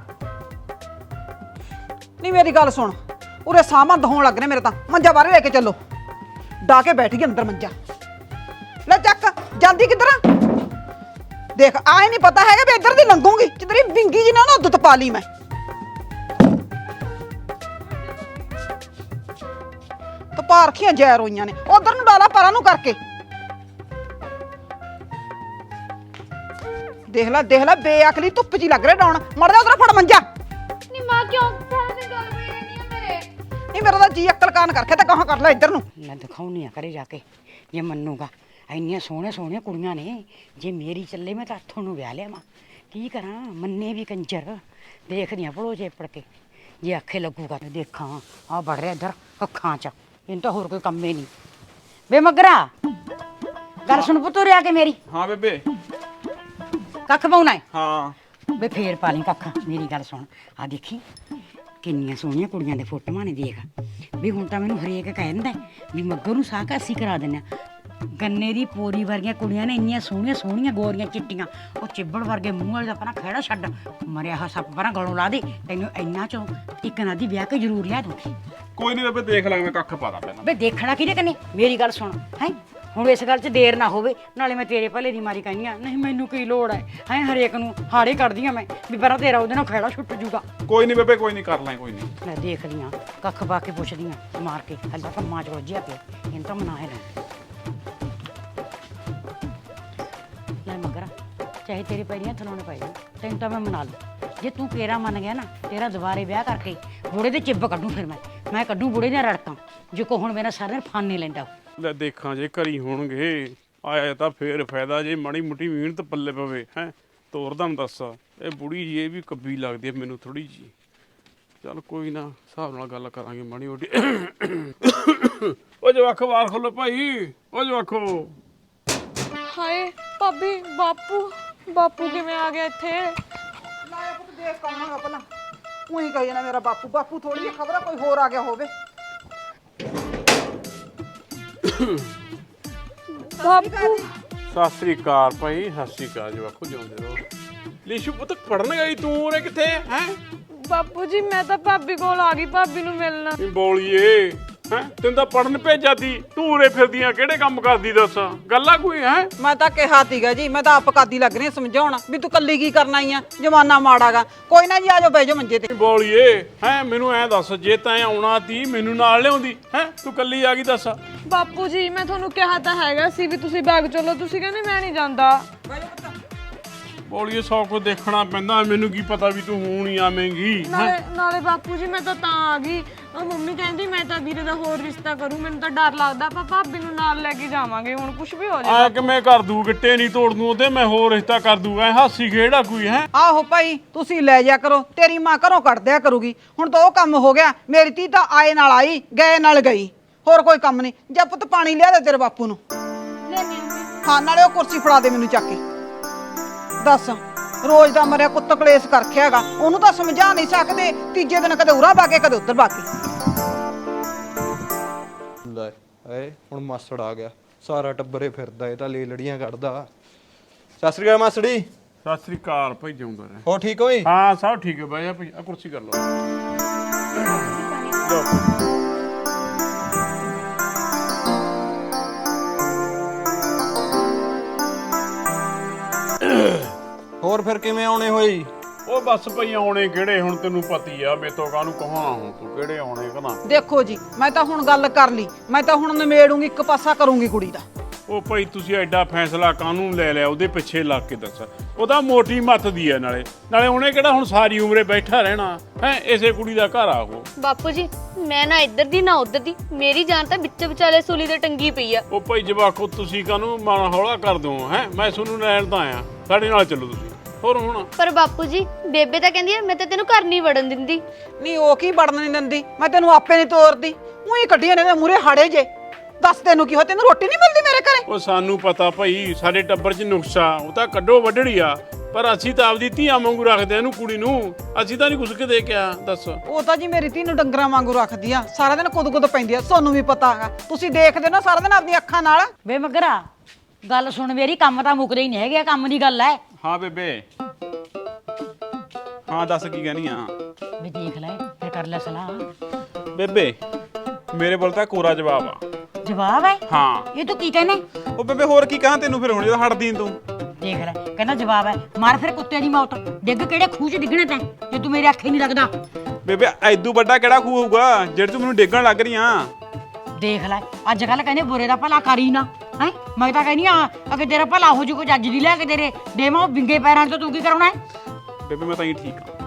S5: ਨਹੀਂ ਮੇਰੀ ਗੱਲ ਸੁਣ ਉਰੇ ਸਾਮਾਂ ਦਹਾਉਣ ਲੱਗ ਰਹੇ ਮੇਰੇ ਤਾਂ ਮੰਜਾ ਬਾਹਰ ਲੈ ਕੇ ਚੱਲੋ ਡਾ ਕੇ ਬੈਠ ਗਈ ਅੰਦਰ ਮੰਜਾ ਲੈ ਚੱਕ ਜਾਂਦੀ ਕਿੱਧਰ ਆ ਦੇਖ ਆਏ ਨਹੀਂ ਪਤਾ ਹੈਗਾ ਵੀ ਇੱਧਰ ਦੀ ਲੰਘੂਗੀ ਜਿੱਧਰ ਹੀ ਵਿੰਗੀ ਜੀ ਨਾ ਨਾ ਦੁੱਧ ਪਾ ਲਈ ਮੈਂ ਤਾਂ ਪਾਰਖੀਆਂ ਜ਼ਹਿਰ ਹੋਈਆਂ ਨੇ ਉਧਰ ਨੂੰ ਡਾਲਾ ਪਰਾਂ ਨੂੰ ਕਰਕੇ ਦੇਖ ਲੈ ਦੇਖ ਲੈ ਬੇਅਕਲੀ ਧੁੱਪ ਜੀ ਲੱਗ ਰਿਹਾ ਡਾਉਣ ਮੜ ਜਾ ਉਧਰ ਫੜ ਮੰਜਾ
S4: ਨੀ ਮਾਂ ਕਿਉਂ ਸਾਰਾ ਦਿਨ ਗੱਲ ਪਈ ਰਹਿੰਦੀ ਆ ਮੇਰੇ
S5: ਨਹੀਂ ਮੇਰਾ ਤਾਂ ਜੀ ਅਕਲ ਕਾਨ ਕਰਕੇ ਤਾਂ ਕਹਾਂ ਕਰ ਲੈ ਇੱਧਰ ਨੂੰ
S1: ਮੈਂ ਦਿਖਾਉਣੀ ਆ ਕਰੇ ਜਾ ਕੇ ਜੇ ਮੰਨੂਗਾ ਇੰਨੀਆਂ ਸੋਹਣੀਆਂ ਸੋਹਣੀਆਂ ਕੁੜੀਆਂ ਨੇ ਜੇ ਮੇਰੀ ਚੱਲੇ ਮੈਂ ਤਾਂ ਹੱਥੋਂ ਨੂੰ ਵਿਆਹ ਲਿਆਵਾਂ ਕੀ ਕਰਾਂ ਮੰਨੇ ਵੀ ਕੰਜਰ ਦੇਖਦੀਆਂ ਭਲੋ ਚੇਪੜ ਕੇ ਜੇ ਆਖੇ ਲੱਗੂਗਾ ਤੇ ਦੇਖਾਂ ਆ ਵੜ ਰਿਹਾ ਇੱਧਰ ਅੱਖਾਂ 'ਚ ਇਹਨੂੰ ਤਾਂ ਹੋਰ ਕੋਈ ਕੰਮ ਹੀ ਨਹੀਂ ਵੇ ਮਗਰਾ ਗੱਲ ਸੁਣ ਪੁੱਤ ਉਰੇ ਆ ਕੇ ਮੇਰੀ
S8: ਹਾਂ ਬੇਬੇ
S1: ਕੱਖ ਪਾਉਣਾ ਹੈ
S8: ਹਾਂ
S1: ਵੇ ਫੇਰ ਪਾ ਲਈ ਕੱਖ ਮੇਰੀ ਗੱਲ ਸੁਣ ਆ ਦੇਖੀ ਕਿੰਨੀਆਂ ਸੋਹਣੀਆਂ ਕੁੜੀਆਂ ਦੇ ਫੋਟੋਆਂ ਨੇ ਦੇਖ ਵੀ ਹੁਣ ਤਾਂ ਮੈਨੂੰ ਹਰੇਕ ਕਹਿ ਦਿੰਦਾ ਵੀ ਮੱਗਰ ਨੂੰ ਸਾਹ ਕਾਸੀ ਕਰਾ ਦਿੰਦੇ ਆ ਗੰਨੇ ਦੀ ਪੋਰੀ ਵਰਗੀਆਂ ਕੁੜੀਆਂ ਨੇ ਇੰਨੀਆਂ ਸੋਹਣੀਆਂ ਸੋਹਣੀਆਂ ਗੋਰੀਆਂ ਚਿੱਟੀਆਂ ਉਹ ਚਿੱਬੜ ਵਰਗੇ ਮੂੰਹ ਵਾਲੇ ਦਾ ਆਪਣਾ ਖਹਿੜਾ ਛੱਡ ਮਰਿਆ ਹਾ ਸੱਪ ਪਰਾਂ ਗਲੋਂ ਲਾ ਦੇ ਤੈਨੂੰ ਇੰਨਾ ਚੋਂ ਇੱਕ ਨਾ ਦੀ ਵਿਆਹ ਕੇ ਜ਼ਰੂਰ ਲਿਆ ਦੂੰਗੀ
S8: ਕੋਈ ਨਹੀਂ ਬੇਬੇ ਦੇਖ ਲਾਂਗੇ ਮੈਂ ਕੱਖ ਪਾ ਦਾਂ ਪਹਿਲਾਂ
S1: ਵੇ ਦੇਖਣਾ ਕਿਹਦੇ ਕਨੇ ਮੇਰੀ ਗੱਲ ਸੁਣ ਹੈ ਹੁਣ ਇਸ ਗੱਲ 'ਚ ਦੇਰ ਨਾ ਹੋਵੇ ਨਾਲੇ ਮੈਂ ਤੇਰੇ ਭਲੇ ਦੀ ਮਾਰੀ ਕਹਿੰਦੀ ਆ ਨਹੀਂ ਮੈਨੂੰ ਕੀ ਲੋੜ ਹੈ ਹੈ ਹਰੇਕ ਨੂੰ ਹਾੜੇ ਕੱਢਦੀ ਆ ਮੈਂ ਵੀ ਪਰਾਂ ਤੇਰਾ ਉਹਦੇ ਨਾਲ ਖਹਿੜਾ ਛੁੱਟ ਜੂਗਾ
S8: ਕੋਈ ਨਹੀਂ ਬੇਬੇ ਕੋਈ ਨਹੀਂ ਕਰ ਲਾਂ ਕੋਈ ਨਹੀਂ
S1: ਮੈਂ ਦੇਖਦੀ ਆ ਕੱਖ ਪਾ ਕੇ ਪੁੱਛਦੀ ਆ ਮਾਰ ਕੇ ਹੱਲਾ ਕੰਮਾਂ 'ਚ ਰੋਜਿਆ ਪਿਆ ਇਹਨੂੰ ਤਾਂ ਮਨਾ ਹੈ ਨਾ ਲੈ ਮਗਰ ਚਾਹੇ ਤੇਰੇ ਪੈਰੀਆਂ ਥਲਾਉਣੇ ਪੈ ਜਾਣ ਤੈਨੂੰ ਤਾਂ ਮੈਂ ਮਨਾ ਲੂ ਜੇ ਤੂੰ ਕੇਰਾ ਮੰਨ ਗਿਆ ਨਾ ਤੇਰਾ ਦੁਬਾਰੇ ਵਿਆਹ ਕਰਕੇ ਬੁੜੇ ਦੇ ਚਿੱਬ ਕੱਢੂ ਫਿਰ ਮੈਂ ਮੈਂ ਕੱਢੂ ਬੁੜੇ ਦੀਆਂ ਰੜਕਾਂ ਜੋ ਕੋ ਹੁਣ ਮੇਰਾ ਸਾਰਾ ਦਿਨ ਫਾਨੇ ਲੈਂਦਾ
S3: ਲੈ ਦੇਖਾਂ ਜੇ ਘਰੀ ਹੋਣਗੇ ਆਇਆ ਤਾਂ ਫੇਰ ਫਾਇਦਾ ਜੇ ਮਾੜੀ ਮੁੱਟੀ ਮਿਹਨਤ ਪੱਲੇ ਪਵੇ ਹੈ ਤੋਰਦਾ ਨੂੰ ਦੱਸ ਇਹ ਬੁੜੀ ਜੀ ਇਹ ਵੀ ਕੱਬੀ ਲੱਗਦੀ ਹੈ ਮੈਨੂੰ ਥੋੜੀ ਜੀ ਚੱਲ ਕੋਈ ਨਾ ਹਿਸਾਬ ਨਾਲ ਗੱਲ ਕਰਾਂਗੇ ਮਾੜੀ ਮੋਟੀ ਉਹ ਜਵਾਖੋ ਬਾਹਰ ਖੋਲੋ ਭਾਈ ਉਹ ਜਵਾਖੋ
S6: ਹਾਏ ਭਾਬੀ ਬਾਪੂ ਬਾਪੂ ਕਿਵੇਂ ਆ ਗਿਆ ਇੱਥੇ
S5: ਲਾਇਆ ਪੁੱਤ ਦੇਖ ਕੌਣ ਹੈਗਾ ਪਹਿਲਾਂ ਉਹੀ ਕਹੀ ਨਾ ਮੇਰਾ ਬਾਪੂ ਬਾਪੂ ਥੋੜੀ ਜਿਹੀ ਖਬਰ ਆ ਕੋਈ ਹੋਰ ਆ ਗਿਆ ਹੋਵੇ
S6: ਬਾਪੂ
S3: ਸਤਿ ਸ੍ਰੀ ਅਕਾਲ ਭਾਈ ਸਤਿ ਸ੍ਰੀ ਅਕਾਲ ਜਵਾਖੋ ਜਿਉਂਦੇ ਰਹੋ ਲੀਸ਼ੂ ਪੁੱਤ ਪੜਨ ਗਈ ਤੂੰ ਉਰੇ ਕਿੱਥੇ ਹੈ
S6: ਬਾਪੂ ਜੀ ਮੈਂ ਤਾਂ ਭਾਬੀ ਕੋਲ ਆ ਗਈ ਭਾਬੀ ਨੂੰ ਮਿਲਣਾ
S3: ਨੀ ਬੋਲੀਏ ਹੈ ਤੈਨੂੰ ਤਾਂ ਪੜਨ ਭੇਜਿਆ ਤੀ ਤੂੰ ਉਰੇ ਫਿਰਦੀਆਂ ਕਿਹੜੇ ਕੰਮ ਕਰਦੀ ਦੱਸ ਗੱਲਾਂ ਕੋਈ ਹੈ
S5: ਮੈਂ ਤਾਂ ਕਿਹਾ ਤੀਗਾ ਜੀ ਮੈਂ ਤਾਂ ਆਪ ਕਾਦੀ ਲੱਗ ਰਹੀ ਸਮਝਾਉਣਾ ਵੀ ਤੂੰ ਕੱਲੀ ਕੀ ਕਰਨ ਆਈ ਆ ਜਮਾਨਾ ਮਾੜਾਗਾ ਕੋਈ ਨਾ ਜੀ ਆਜੋ ਬਹਿ ਜਾਓ ਮੰਜੇ ਤੇ
S3: ਬੋਲੀਏ ਹੈ ਮੈਨੂੰ ਐ ਦੱਸ ਜੇ ਤੈਂ ਆਉਣਾ ਤੀ ਮੈਨੂੰ ਨਾਲ ਲਿਆਉਂਦੀ ਹੈ ਤੂੰ ਕੱਲੀ ਆ ਗਈ ਦੱਸ
S6: ਬਾਪੂ ਜੀ ਮੈਂ ਤੁਹਾਨੂੰ ਕਿਹਾ ਤਾਂ ਹੈਗਾ ਸੀ ਵੀ ਤੁਸੀਂ ਬਾਗ ਚਲੋ ਤੁਸੀਂ ਕਹਿੰਦੇ ਮੈਂ ਨਹੀਂ ਜਾਂਦਾ
S3: ਬੋਲੀਏ ਸੌ ਕੁਝ ਦੇਖਣਾ ਪੈਂਦਾ ਮੈਨੂੰ ਕੀ ਪਤਾ ਵੀ ਤੂੰ ਹੁਣ ਹੀ ਆਵੇਂਗੀ
S6: ਨਾਲੇ ਨਾਲੇ ਬਾਪੂ ਜੀ ਮੈਂ ਤਾਂ ਤਾਂ ਆ ਗਈ ਉਹ ਮੰਮੀ ਕਹਿੰਦੀ ਮੈਂ ਤਾਂ ਵੀਰੇ ਦਾ ਹੋਰ ਰਿਸ਼ਤਾ ਕਰੂੰ ਮੈਨੂੰ ਤਾਂ ਡਰ ਲੱਗਦਾ ਆਪਾਂ ਭਾਬੀ ਨੂੰ ਨਾਲ ਲੈ ਕੇ ਜਾਵਾਂਗੇ ਹੁਣ ਕੁਝ ਵੀ ਹੋ ਜਾਏ
S3: ਆ ਕਿਵੇਂ ਕਰ ਦੂ ਗਿੱਟੇ ਨਹੀਂ ਤੋੜ ਦੂ ਉਹਦੇ ਮੈਂ ਹੋਰ ਰਿਸ਼ਤਾ ਕਰ ਦੂ ਐ ਹਾਸੀ ਖੇੜਾ ਕੋਈ ਹੈ
S5: ਆਹੋ ਭਾਈ ਤੁਸੀਂ ਲੈ ਜਾ ਕਰੋ ਤੇਰੀ ਮਾਂ ਘਰੋਂ ਕੱਢ ਦਿਆ ਕਰੂਗੀ ਹੁਣ ਤਾਂ ਉਹ ਕੰਮ ਹੋ ਗਿਆ ਮੇਰੀ ਧੀ ਤਾਂ ਆਏ ਨਾਲ ਆਈ ਗਏ ਨਾਲ ਗਈ ਹੋਰ ਕੋਈ ਕੰਮ ਨਹੀਂ ਜਾ ਪੁੱਤ ਪਾਣੀ ਲਿਆ ਦੇ ਤੇਰੇ ਬਾਪੂ ਨੂੰ ਹਾਂ ਨਾਲੇ ਉਹ ਕੁਰਸੀ ਫੜਾ ਦੇ ਮੈਨੂੰ ਚੱਕ ਕੇ ਦੱਸ ਰੋਜ਼ ਦਾ ਮਰਿਆ ਕੁੱਤ ਕਲੇਸ਼ ਕਰ ਰੱਖਿਆਗਾ ਉਹਨੂੰ ਤਾਂ ਸਮਝਾ ਨਹੀਂ ਸਕਦੇ ਤੀਜੇ ਦਿਨ ਕਦੇ ਉਰਾ ਬਾਕੇ ਕਦੇ ਉੱਧਰ ਬਾਕੇ
S7: ਲੈ ਏ ਹੁਣ ਮਾਸੜ ਆ ਗਿਆ, ਸਾਰਾ ਟੱਬਰੇ ਫਿਰਦਾ, ਇਹ ਤਾਂ ਲੈ ਲੜੀਆਂ ਕੱਢਦਾ। ਸਤਿ ਸ੍ਰੀ ਅਕਾਲ ਮਾਸੜੀ।
S2: ਸਤਿ ਸ੍ਰੀ ਅਕਾਲ ਭਾਈ, ਜਿਉਂਦਾ ਰਹਿ।
S7: ਹੋ ਠੀਕ ਹੋਈ?
S2: ਹਾਂ ਸਭ ਠੀਕ ਹੈ ਬਾਈ, ਆ ਭਾਈ ਆ ਕੁਰਸੀ ਕਰ ਲਓ।
S7: ਹੋਰ ਫਿਰ ਕਿਵੇਂ ਆਉਣੇ ਹੋਈ?
S2: ਉਹ ਬਸ ਭਾਈ ਆਉਣੇ ਕਿਹੜੇ, ਹੁਣ ਤੈਨੂੰ ਪਤੀ ਆ, ਮੇਤੋਂ ਕਾਹਨੂੰ ਕਹਾਉਣਾ, ਹੁਣ ਤੂੰ ਕਿਹੜੇ ਆਉਣੇ ਕਹਣਾ।
S5: ਦੇਖੋ ਜੀ, ਮੈਂ ਤਾਂ ਹੁਣ ਗੱਲ ਕਰ ਲਈ, ਮੈਂ ਤਾਂ ਹੁਣ ਨਿਮੇੜੂੰਗੀ, ਇੱਕ ਪਾਸਾ ਕਰੂੰਗੀ ਕੁੜੀ ਦਾ।
S2: ਉਹ ਭਾਈ ਤੁਸੀਂ ਐਡਾ ਫੈਸਲਾ ਕਾਹਨੂੰ ਲੈ ਲਿਆ, ਉਹਦੇ ਪਿੱਛੇ ਲੱਗ ਕੇ ਦੱਸ। ਉਹਦਾ ਮੋਟੀ ਮੱਤ ਦੀ ਹੈ, ਨਾਲੇ ਨਾਲੇ ਉਹਨੇ ਕਿਹੜਾ ਹੁਣ ਸਾਰੀ ਉਮਰੇ ਬੈਠਾ ਰਹਿਣਾ ਹੈ, ਇਸੇ ਕੁੜੀ ਦਾ ਘਰ ਆ ਉਹ।
S4: ਬਾਪੂ ਜੀ ਮੈਂ ਨਾ ਇੱਧਰ ਦੀ ਨਾ ਉੱਧਰ ਦੀ, ਮੇਰੀ ਜਾਨ ਤਾਂ ਵਿੱਚ ਵਿਚਾਲੇ ਸੂਲੀ ਤੇ ਟੰਗੀ ਪਈ ਆ।
S2: ਉਹ ਭਾਈ ਜਵਾਕੋ ਤੁਸੀਂ ਕਾਹਨੂੰ ਮਨ ਹੌਲਾ ਕਰ ਦੋ ਹੈ, ਮੈਂ ਤੁਹਾਨੂੰ ਲੈਣ ਤਾਂ ਆਇਆ, ਸਾਡੇ ਨਾਲ ਚੱਲੋ ਤੁਸੀਂ। ਹੋਰ ਹੁਣ
S4: ਪਰ ਬਾਪੂ ਜੀ ਬੇਬੇ ਤਾਂ ਕਹਿੰਦੀ ਆ ਮੈਂ ਤਾਂ ਤੈਨੂੰ ਘਰ ਨਹੀਂ ਵੜਨ ਦਿੰਦੀ।
S5: ਨਹੀਂ ਉਹ ਕੀ ਵੜਨ ਨਹੀਂ ਦਿੰਦੀ, ਮੈਂ ਤੈਨੂੰ ਆਪੇ ਨਹੀਂ ਤੋਰਦੀ, ਉਹੀ ਕੱਢੀਆਂ ਨੇ ਮੂਰੇ ਹਾੜੇ ਜੇ। ਦੱਸ ਤੈਨੂੰ ਕੀ ਹੋ, ਤੈਨੂੰ ਰੋਟੀ ਨਹੀਂ ਮਿਲਦੀ ਮੇਰੇ ਘਰੇ?
S2: ਉਹ ਸਾਨੂੰ ਪਤਾ ਭਾਈ, ਸਾਡੇ ਟੱਬਰ 'ਚ ਨੁਕਸਾ, ਉਹ ਤਾਂ ਕੱਢੋ ਵੱਢੜੀ ਆ, ਪਰ ਅਸੀਂ ਤਾਂ ਆਪਦੀ ਧੀਆਂ ਵਾਂਗੂ ਰੱਖਦੇ ਇਹਨੂੰ, ਕੁੜੀ ਨੂੰ। ਅਸੀਂ ਤਾਂ ਨਹੀਂ ਕੁਛ ਕੇ ਦੇਖਿਆ, ਦੱਸ।
S5: ਉਹ ਤਾਂ ਜੀ ਮੇਰੀ ਧੀ ਨੂੰ ਡੰਗਰਾਂ ਵਾਂਗੂ ਰੱਖਦੀ ਆ, ਸਾਰਾ ਦਿਨ ਕੁੱਦ ਕੁੱਦ ਪੈਂਦੀ ਆ, ਤੁਹਾਨੂੰ ਵੀ ਪਤਾ ਹੈਗਾ, ਤੁਸੀਂ ਦੇਖਦੇ ਨਾ ਸਾਰਾ ਦਿਨ ਆਪਣੀਆਂ ਅੱਖਾਂ ਨਾਲ।
S1: ਵੇ ਮਗਰਾ ਗੱਲ ਸੁਣ ਮੇਰੀ, ਕੰਮ ਤਾਂ ਮੁੱਕਦੇ ਹੀ ਨਹੀਂ ਹੈਗੇ, ਕੰਮ ਦੀ ਗੱਲ ਹੈ।
S8: ਹਾਂ ਬੇਬੇ, ਹਾਂ ਦੱਸ ਕੀ ਕਹਿਣੀ ਆ?
S1: ਵੀ ਦੇਖ ਲੈ ਫਿਰ ਕਰ ਲੈ ਸਲਾਹ।
S8: ਬੇਬੇ ਮੇਰੇ ਕੋਲ ਤਾਂ ਕੋਰਾ ਜਵਾਬ ਆ।
S1: ਜਵਾਬ ਹੈ?
S8: ਹਾਂ।
S1: ਇਹ ਤੂੰ ਕੀ ਕਹਿੰਦਾ?
S8: ਉਹ ਬੇਬੇ ਹੋਰ ਕੀ ਕਹਾਂ ਤੈਨੂੰ, ਫਿਰ ਹੁਣ ਜਦੋਂ ਹਟਦੀ ਨੀ ਤੂੰ।
S1: ਦੇਖ ਲੈ ਕਹਿੰਦਾ ਜਵਾਬ ਹੈ, ਮਾਰ ਫਿਰ ਕੁੱਤੇ ਦੀ ਮੌਤ, ਡਿੱਗ ਕਿਹੜੇ ਖੂਹ 'ਚ ਡਿੱਗਣਾ ਤੈਂ, ਜੇ ਤੂੰ ਮੇਰੇ ਅੱਖੇ ਨਹੀਂ ਲੱਗਦਾ।
S8: ਬੇਬੇ ਐਦੂ ਵੱਡਾ ਕਿਹੜਾ ਖੂਹ ਹੋਊਗਾ ਜਿਹੜੇ ਤੂੰ ਮੈਨੂੰ ਡੇਗਣ ਲੱਗ ਰਹੀ ਆ?
S1: ਦੇਖ ਲੈ ਅੱਜ ਕੱਲ ਕਹਿੰਦੇ ਬੁਰੇ ਦਾ ਭਲਾ ਕਰੀ ਨਾ ਹੈ, ਮੈਂ ਤਾਂ ਕਹਿੰਦੀ ਆ ਅਗੇ ਤੇਰਾ ਭਲਾ ਹੋ ਜੂ, ਕੋਈ ਜੱਜ ਦੀ ਲੈ ਕੇ ਤੇਰੇ ਦੇਵਾਂ ਵਿੰਗੇ ਪੈਰਾਂ 'ਚ, ਤੂੰ ਕੀ ਕਰਾਉਣਾ ਹੈ?
S8: ਬੇਬੇ ਮੈਂ ਤਾਂ ਹੀ ਠੀਕ ਆ।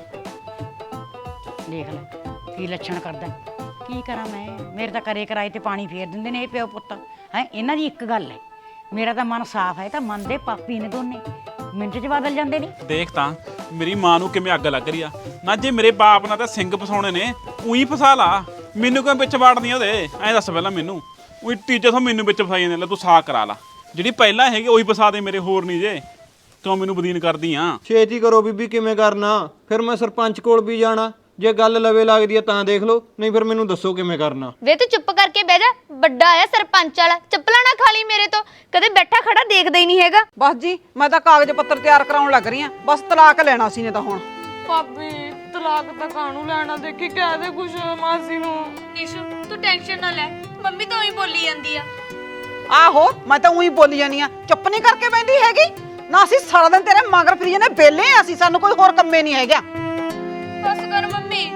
S1: ਦੇਖ ਲੈ ਕੀ ਲੱਛਣ ਕਰਦਾ, ਕੀ ਕਰਾਂ ਮੈਂ, ਮੇਰੇ ਤਾਂ ਕਰੇ ਕਰਾਏ ਤੇ ਪਾਣੀ ਫੇਰ ਦਿੰਦੇ ਨੇ ਇਹ ਪਿਓ ਪੁੱਤ ਹੈ। ਇਹਨਾਂ ਦੀ ਇੱਕ ਗੱਲ ਹੈ, ਮੇਰਾ ਤਾਂ ਮਨ ਸਾਫ਼ ਹੈ, ਤਾਂ ਮਨ ਦੇ ਪਾਪੀ ਨੇ ਦੋਨੇ, ਮਿੰਟ 'ਚ ਬਦਲ ਜਾਂਦੇ ਨੇ।
S8: ਦੇਖ ਤਾਂ ਮੇਰੀ ਮਾਂ ਨੂੰ ਕਿਵੇਂ ਅੱਗ ਲੱਗ ਰਹੀ ਆ ਨਾ, ਜੇ ਮੇਰੇ ਬਾਪ ਨਾਲ ਤਾਂ ਸਿੰਘ ਫਸਾਉਣੇ ਨੇ, ਉਹੀ ਫਸਾ ਲਾ, ਮੈਨੂੰ ਕਿਉਂ ਵਿੱਚ ਵਾੜਨੀ ਉਹਦੇ? ਐਂ ਦੱਸ ਪਹਿਲਾਂ ਮੈਨੂੰ, ਉਹੀ ਟੀਚਰ ਤੋਂ ਮੈਨੂੰ ਵਿੱਚ ਫਸਾਈ ਜਾਂਦੇ, ਲੈ ਤੂੰ ਸਾਕ ਕਰਾ ਲਾ, ਜਿਹੜੀ ਪਹਿਲਾਂ ਹੈਗੀ ਉਹੀ ਫਸਾ ਦੇ ਮੇਰੇ, ਹੋਰ ਨਹੀਂ ਜੇ। ਕਿਉਂ ਮੈਨੂੰ ਬਦੀਨ ਕਰਦੀ ਆ?
S7: ਛੇਤੀ ਕਰੋ ਬੀਬੀ, ਕਿਵੇਂ ਕਰਨਾ? ਫਿਰ ਮੈਂ ਸਰਪੰਚ ਕੋਲ ਵੀ ਜਾਣਾ, ਜੇ ਗੱਲ ਲਵੇ ਲੱਗਦੀ ਆ ਤਾਂ ਦੇਖ ਲਓ, ਨਹੀਂ ਫਿਰ ਮੈਨੂੰ ਦੱਸੋ ਕਿਵੇਂ ਕਰਨਾ।
S4: ਵੇ ਤੂੰ ਚੁੱਪ ਕਰਕੇ ਬਹਿ ਜਾ, ਵੱਡਾ ਆਇਆ ਸਰਪੰਚ ਵਾਲਾ, ਚੱਪਲਾਂ ਨਾ ਖਾ ਲਈ ਮੇਰੇ ਤੋਂ, ਕਦੇ ਬੈਠਾ ਖੜਾ ਦੇਖਦਾ ਹੀ ਨਹੀਂ ਹੈਗਾ।
S5: ਬਸ ਜੀ ਮੈਂ ਤਾਂ ਕਾਗਜ਼ ਪੱਤਰ ਤਿਆਰ ਕਰਾਉਣ ਲੱਗ ਰਹੀ ਆ, ਬਸ ਤਲਾਕ ਲੈਣਾ ਸੀ ਨੇ ਤਾਂ ਹੁਣ।
S6: ਭਾਬੀ ਤਲਾਕ ਤਾਂ ਕਾਹਨੂੰ ਲੈਣਾ, ਦੇਖੀ ਕਹਿ ਦੇ ਕੁਛ ਮਾਸੀ ਨੂੰ।
S4: ਨੀਸ਼ੂ ਤੂੰ ਟੈਨਸ਼ਨ ਨਾ ਲੈ, ਮੰਮੀ ਤਾਂ ਉਹੀ ਬੋਲੀ ਜਾਂਦੀ ਆ।
S5: ਆਹੋ ਮੈਂ ਤਾਂ ਉਹੀ ਬੋਲੀ ਜਾਨੀ ਆ, ਚੁੱਪ ਨਹੀਂ ਕਰਕੇ ਬੈਠੀ ਹੈਗੀ ਨਾ, ਅਸੀਂ ਸਾਰਾ ਦਿਨ ਤੇਰੇ ਮਗਰ ਫਿਰੀ ਜਾਂਦੇ, ਵਿਹਲੇ ਆ ਅਸੀਂ, ਸਾਨੂੰ ਕੋਈ ਹੋਰ ਕੰਮੇ ਨਹੀਂ ਹੈਗਾ।
S4: ਬਸ ਕਰ ਮੰਮੀ।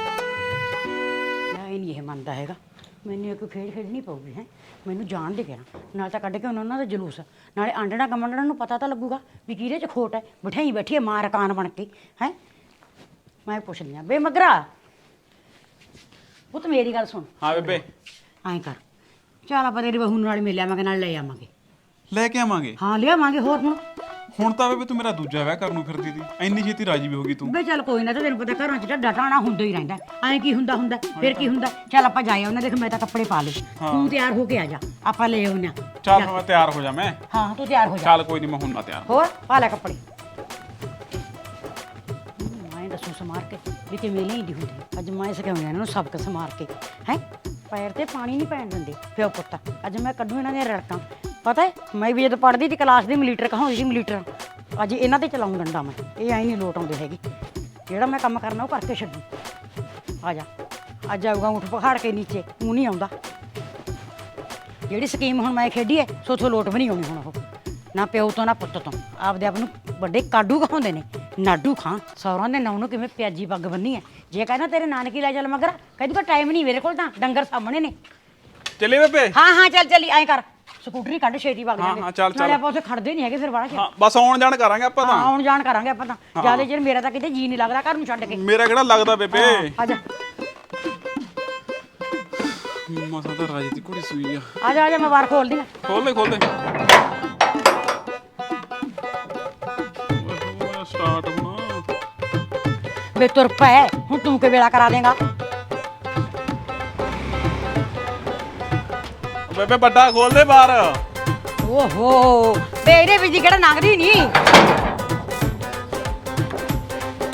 S1: ਮੈਂ ਨਹੀਂ ਇਹ ਮੰਨਦਾ ਹੈਗਾ, ਮੈਨੂੰ ਇੱਕ ਖੇਡ ਖੇਡਣੀ ਪਊਗੀ ਹੈ, ਮੈਨੂੰ ਜਾਣ ਦੇ ਕਹਿਣਾ, ਨਾਲ ਤਾਂ ਕੱਢ ਕੇ ਉਹਨਾਂ ਦਾ ਜਲੂਸ, ਨਾਲੇ ਆਂਡਣਾ ਕਮੰਡਣਾ ਨੂੰ ਪਤਾ ਤਾਂ ਲੱਗੂਗਾ ਵੀ ਕਿਹਦੇ 'ਚ ਖੋਟ ਹੈ। ਬਿਠਾਈ ਬੈਠੀ ਹੈ ਮਾਂ ਰਕਾਨ ਬਣ ਕੇ ਹੈ। ਮੈਂ ਪੁੱਛਦੀ ਆ ਬੇ ਮਗਰਾ, ਉਹ ਤਾਂ ਮੇਰੀ ਗੱਲ ਸੁਣ।
S8: ਹਾਂ ਬੇਬੇ
S1: ਐਂ ਕਰ, ਚੱਲ ਆਪਾਂ ਤੇਰੀ ਬਹੂ ਨਾਲ ਮਿਲ ਆਵਾਂਗੇ, ਨਾਲ ਲੈ ਆਵਾਂਗੇ।
S8: ਲੈ ਕੇ ਆਵਾਂਗੇ?
S1: ਹਾਂ ਲਿਆਵਾਂਗੇ, ਹੋਰ ਹੁਣ
S8: ਹੁਣ ਤਾਂ ਬੇਬੇ ਤੂੰ ਮੇਰਾ ਦੂਜਾ ਵਿਆਹ ਕਰਨ ਨੂੰ ਫਿਰਦੀ ਸੀ, ਇੰਨੀ ਛੇਤੀ ਰਾਜੀ ਵੀ ਹੋ ਗਈ ਤੂੰ।
S1: ਬੇ ਚੱਲ ਕੋਈ ਨਾ, ਤੇ ਤੈਨੂੰ ਪਤਾ ਘਰਾਂ 'ਚ ਢੱਡਾ ਟਾਣਾ ਹੁੰਦਾ ਹੀ ਰਹਿੰਦਾ, ਐਂ ਕੀ ਹੁੰਦਾ ਹੁੰਦਾ ਫਿਰ ਕੀ ਹੁੰਦਾ। ਚੱਲ ਆਪਾਂ ਜਾਏ ਉਹਨਾਂ, ਦੇਖ ਮੈਂ ਤਾਂ ਕੱਪੜੇ ਪਾ ਲਏ, ਤੂੰ ਤਿਆਰ ਹੋ ਕੇ ਆ ਜਾ, ਆਪਾਂ ਲੈ ਆਉਂਦੇ ਹਾਂ।
S8: ਚੱਲ ਮੈਂ ਤਿਆਰ ਹੋ ਜਾ। ਮੈਂ
S1: ਹਾਂ ਤੂੰ ਤਿਆਰ ਹੋ ਜਾ।
S8: ਚੱਲ ਕੋਈ ਨਹੀਂ, ਮੈਂ ਹੁਣ ਨਾ ਤਿਆਰ।
S1: ਹੋਰ ਪਾ ਲੈ ਕੱਪੜੇ। ਮੈਂ ਦੱਸੂ ਸਮਾਰ ਕੇ ਵੀ ਕਿਵੇਂ ਲੈਂਦੀ ਹੁੰਦੀ, ਅੱਜ ਮੈਂ ਸਿਖਾਉਂਦੀ ਇਹਨਾਂ ਨੂੰ ਸਬਕ ਸਮਾਰ ਕੇ ਹੈ। ਪੈਰ ਤੇ ਪਾਣੀ ਨਹੀਂ ਪੈਣ ਦਿੰਦੇ ਪਿਓ ਪੁੱਤ, ਅੱਜ ਮੈਂ ਕੱਢੂ ਇਹਨਾਂ ਦੀਆਂ ਰੜਕਾਂ। ਪਤਾ ਹੈ ਮੈਂ ਵੀ ਜਦੋਂ ਪੜ੍ਹਦੀ ਸੀ ਕਲਾਸ ਦੀ ਮਲੀਟਰ ਕਹਾਉਂਦੀ ਸੀ, ਮਲੀਟਰ ਅੱਜ ਇਹਨਾਂ ਤੇ ਚਲਾਉਂ ਡੰਡਾ ਮੈਂ, ਇਹ ਐਂ ਨਹੀਂ ਲੋਟ ਆਉਂਦੇ ਹੈਗੇ, ਜਿਹੜਾ ਮੈਂ ਕੰਮ ਕਰਨਾ ਉਹ ਕਰਕੇ ਛੱਡੂ। ਆ ਜਾ, ਅੱਜ ਆਊਗਾ ਊਠ ਪਹਾੜ ਕੇ ਨੀਚੇ, ਉਹ ਨਹੀਂ ਆਉਂਦਾ। ਜਿਹੜੀ ਸਕੀਮ ਹੁਣ ਮੈਂ ਖੇਡੀ ਹੈ ਸੋਥੋਂ ਲੋਟ ਵੀ ਨਹੀਂ ਆਉਣੀ ਹੁਣ, ਉਹ ਨਾ ਪਿਓ ਤੋਂ ਨਾ ਪੁੱਤ ਤੋਂ, ਆਪਦੇ ਆਪ ਨੂੰ ਵੱਡੇ ਕਾਡੂ ਕਹਾਉਂਦੇ ਨੇ, ਨਾਡੂ ਖਾਂ। ਸੌਰਾਂ ਦੇ ਨਾਂ ਨੂੰ ਕਿਵੇਂ ਪਿਆਜੀ ਪੱਗ ਬੰਨੀ ਹੈ, ਜੇ ਕਹਿੰਦਾ ਤੇਰੇ ਨਾਨਕੀ ਲੈ ਚੱਲ ਮਗਰ, ਕਹਿੰਦੀ ਕੋਈ ਟਾਈਮ ਨਹੀਂ ਮੇਰੇ ਕੋਲ, ਤਾਂ ਡੰਗਰ ਸਾਹਮਣੇ ਨੇ।
S8: ਚੱਲੇ ਬੇਬੇ?
S1: ਹਾਂ ਹਾਂ ਚੱਲ ਚੱਲੀ, ਐਂ ਕਰ ਸਕੂਟਰੀ ਕੱਢ ਛੇਤੀ ਵਗ
S8: ਹਾਂ,
S1: ਜਾਂਦੇ,
S8: ਹਾਂ, ਚੱਲ, ਚੱਲ।
S1: ਨਾਲੇ ਆਪਾਂ ਉੱਥੇ ਖੜਦੇ ਨਹੀਂ ਹੈਗੇ ਫਿਰ ਬਾਹਰ।
S8: ਹਾਂ ਬਸ ਆਉਣ ਜਾਣ ਕਰਾਂਗੇ ਆਪਾਂ ਤਾਂ।
S1: ਹਾਂ ਆਉਣ ਜਾਣ ਕਰਾਂਗੇ ਆਪਾਂ ਤਾਂ, ਜਿਆਦਾ ਚਿਰ ਮੇਰਾ ਤਾਂ ਕਿਤੇ ਜੀ ਨਹੀਂ ਲੱਗਦਾ ਘਰ ਨੂੰ ਛੱਡ ਕੇ।
S8: ਮੇਰਾ ਕਿਹੜਾ ਲੱਗਦਾ ਬੇਬੇ?
S1: ਆ ਜਾ
S8: ਮਸਾਂ ਤਾਂ ਰਾਜੀ ਦੀ ਕੁੜੀ ਸੂਈ ਆ।
S1: ਆ ਜਾ ਆ ਜਾ, ਮੈਂ ਬਾਹਰ ਖੋਲਦੀ ਆ।
S8: ਖੋਲ ਦੇ ਖੋਲ ਦੇ। ਸਟਾਰਟ ਹੋਣਾ
S1: ਵੇ ਤੁਰ ਪੈ, ਹੁਣ ਤੂੰ ਕਿ ਵੇਲਾ ਕਰਾ ਦੇਗਾ।
S8: ਬੇਬੇ ਵੱਡਾ ਖੋਲ ਦੇ ਬਾਹਰ।
S1: ਓਹੋ ਵੇ ਇਹਦੇ ਵਿੱਚ ਕਿਹੜਾ ਲੰਘਦੀ ਨਹੀਂ।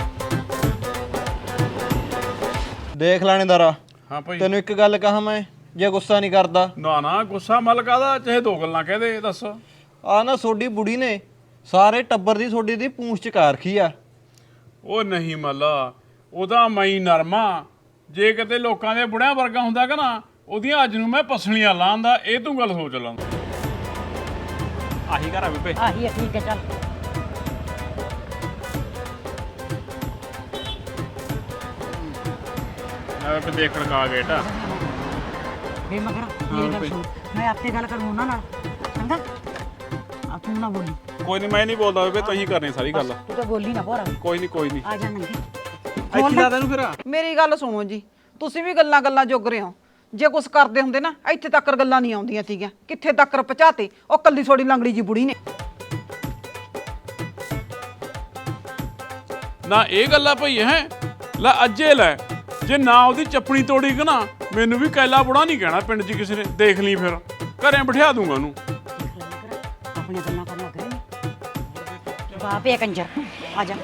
S7: ਦੇਖ ਲਾਣੇਦਾਰਾ,
S2: ਹਾਂ ਭਾਈ।
S7: ਤੈਨੂੰ ਇੱਕ ਗੱਲ ਕਹਾਂ ਮੈਂ, ਜੇ ਗੁੱਸਾ ਨਹੀਂ ਕਰਦਾ।
S3: ਨਾ ਨਾ ਗੁੱਸਾ ਮਲ ਕਾਦਾ, ਚਾਹੇ ਦੋ ਗੱਲਾਂ ਕਹਿ ਦੇ, ਦੱਸ।
S7: ਆ ਨਾ ਤੁਹਾਡੀ ਬੁੜੀ ਨੇ ਸਾਰੇ ਟੱਬਰ ਦੀ ਤੁਹਾਡੀ ਦੀ ਪੂੰਛ ਚਕਾ ਰੱਖੀ ਆ।
S3: ਉਹ ਨਹੀਂ ਮੱਲਾ, ਉਹਦਾ ਮਈ ਨਰਮਾ, ਜੇ ਕਿਤੇ ਲੋਕਾਂ ਦੇ ਬੁੜਿਆਂ ਵਰਗਾ ਹੁੰਦਾ ਕਿ ਨਾ, ਉਹਦੀਆਂ ਅੱਜ ਨੂੰ ਮੈਂ ਪਸਲੀਆਂ ਲਾਂਦਾ। ਇਹ ਤੂੰ ਗੱਲ ਸੋਚ ਲਾਂ।
S8: ਆਹੀ ਘਰ ਆ ਬੇਬੇ।
S1: ਆਹੀ ਹੈ, ਠੀਕ ਹੈ, ਚੱਲ।
S3: ਮੈਂ ਵੀ ਦੇਖ ਰਕਾ ਗੇਟਾ
S1: ਬੇ ਮਗਰ ਮੇਰੀ ਗੱਲ ਸੁਣ, ਮੈਂ ਆਪੇ ਗੱਲ ਕਰੂੰ ਉਹਨਾਂ ਨਾਲ, ਚੰਗਾ? ਆ ਤੂੰ ਨਾ ਬੋਲੀ।
S8: ਕੋਈ ਨਹੀਂ, ਮੈਂ ਨਹੀਂ ਬੋਲਦਾ ਬੇਬੇ, ਤੁਸੀਂ ਕਰਨੀ ਸਾਰੀ ਗੱਲ।
S1: ਤੂੰ ਤਾਂ ਬੋਲੀ ਨਾ ਭੋਰਾ।
S8: ਕੋਈ ਨਹੀਂ ਕੋਈ ਨਹੀਂ।
S1: ਆ ਜਾ ਨੰਗੀ।
S8: ਇੱਥੇ ਲਾ ਤੈਨੂੰ ਫਿਰ।
S5: ਮੇਰੀ ਗੱਲ ਸੁਣੋ ਜੀ, ਤੁਸੀਂ ਵੀ ਗੱਲਾਂ ਗੱਲਾਂ ਜੋਗ ਰਹੇ ਹੋ। ਜੇ ਕੁਛ ਕਰਦੇ ਹੁੰਦੇ ਨਾ ਇੱਥੇ ਤੱਕ ਗੱਲਾਂ ਨਹੀਂ ਆਉਂਦੀਆਂ ਸੀਗੀਆਂ, ਕਿੱਥੇ ਤੱਕ ਪਹੁੰਚਾਤੇ ਉਹ ਕੱਲੀ ਥੋੜੀ ਲੰਗੜੀ ਜੀ ਬੁੜੀ ਨੇ।
S3: ਨਾ ਇਹ ਗੱਲਾਂ ਭਈ ਹੈ ਲੈ ਅੱਜੇ ਲੈ, ਜੇ ਨਾ ਉਹਦੀ ਚੱਪਣੀ ਤੋੜੀ ਕਿ ਨਾ, ਮੈਨੂੰ ਵੀ ਕੈਲਾ ਬੁੜਾ ਨਹੀਂ ਕਹਿਣਾ ਪਿੰਡ 'ਚ ਕਿਸੇ ਨੇ। ਦੇਖ ਲਈ ਫਿਰ, ਘਰੇ ਬਿਠਾ ਦੂੰਗਾ ਉਹਨੂੰ।
S1: ਆਪਣੇ ਗੱਲਾਂ ਕਰਨ ਲੱਗ ਰਹੇ ਨੇ। ਬਾਪ ਇਹ ਕੰਜਰ, ਆ ਜਾ।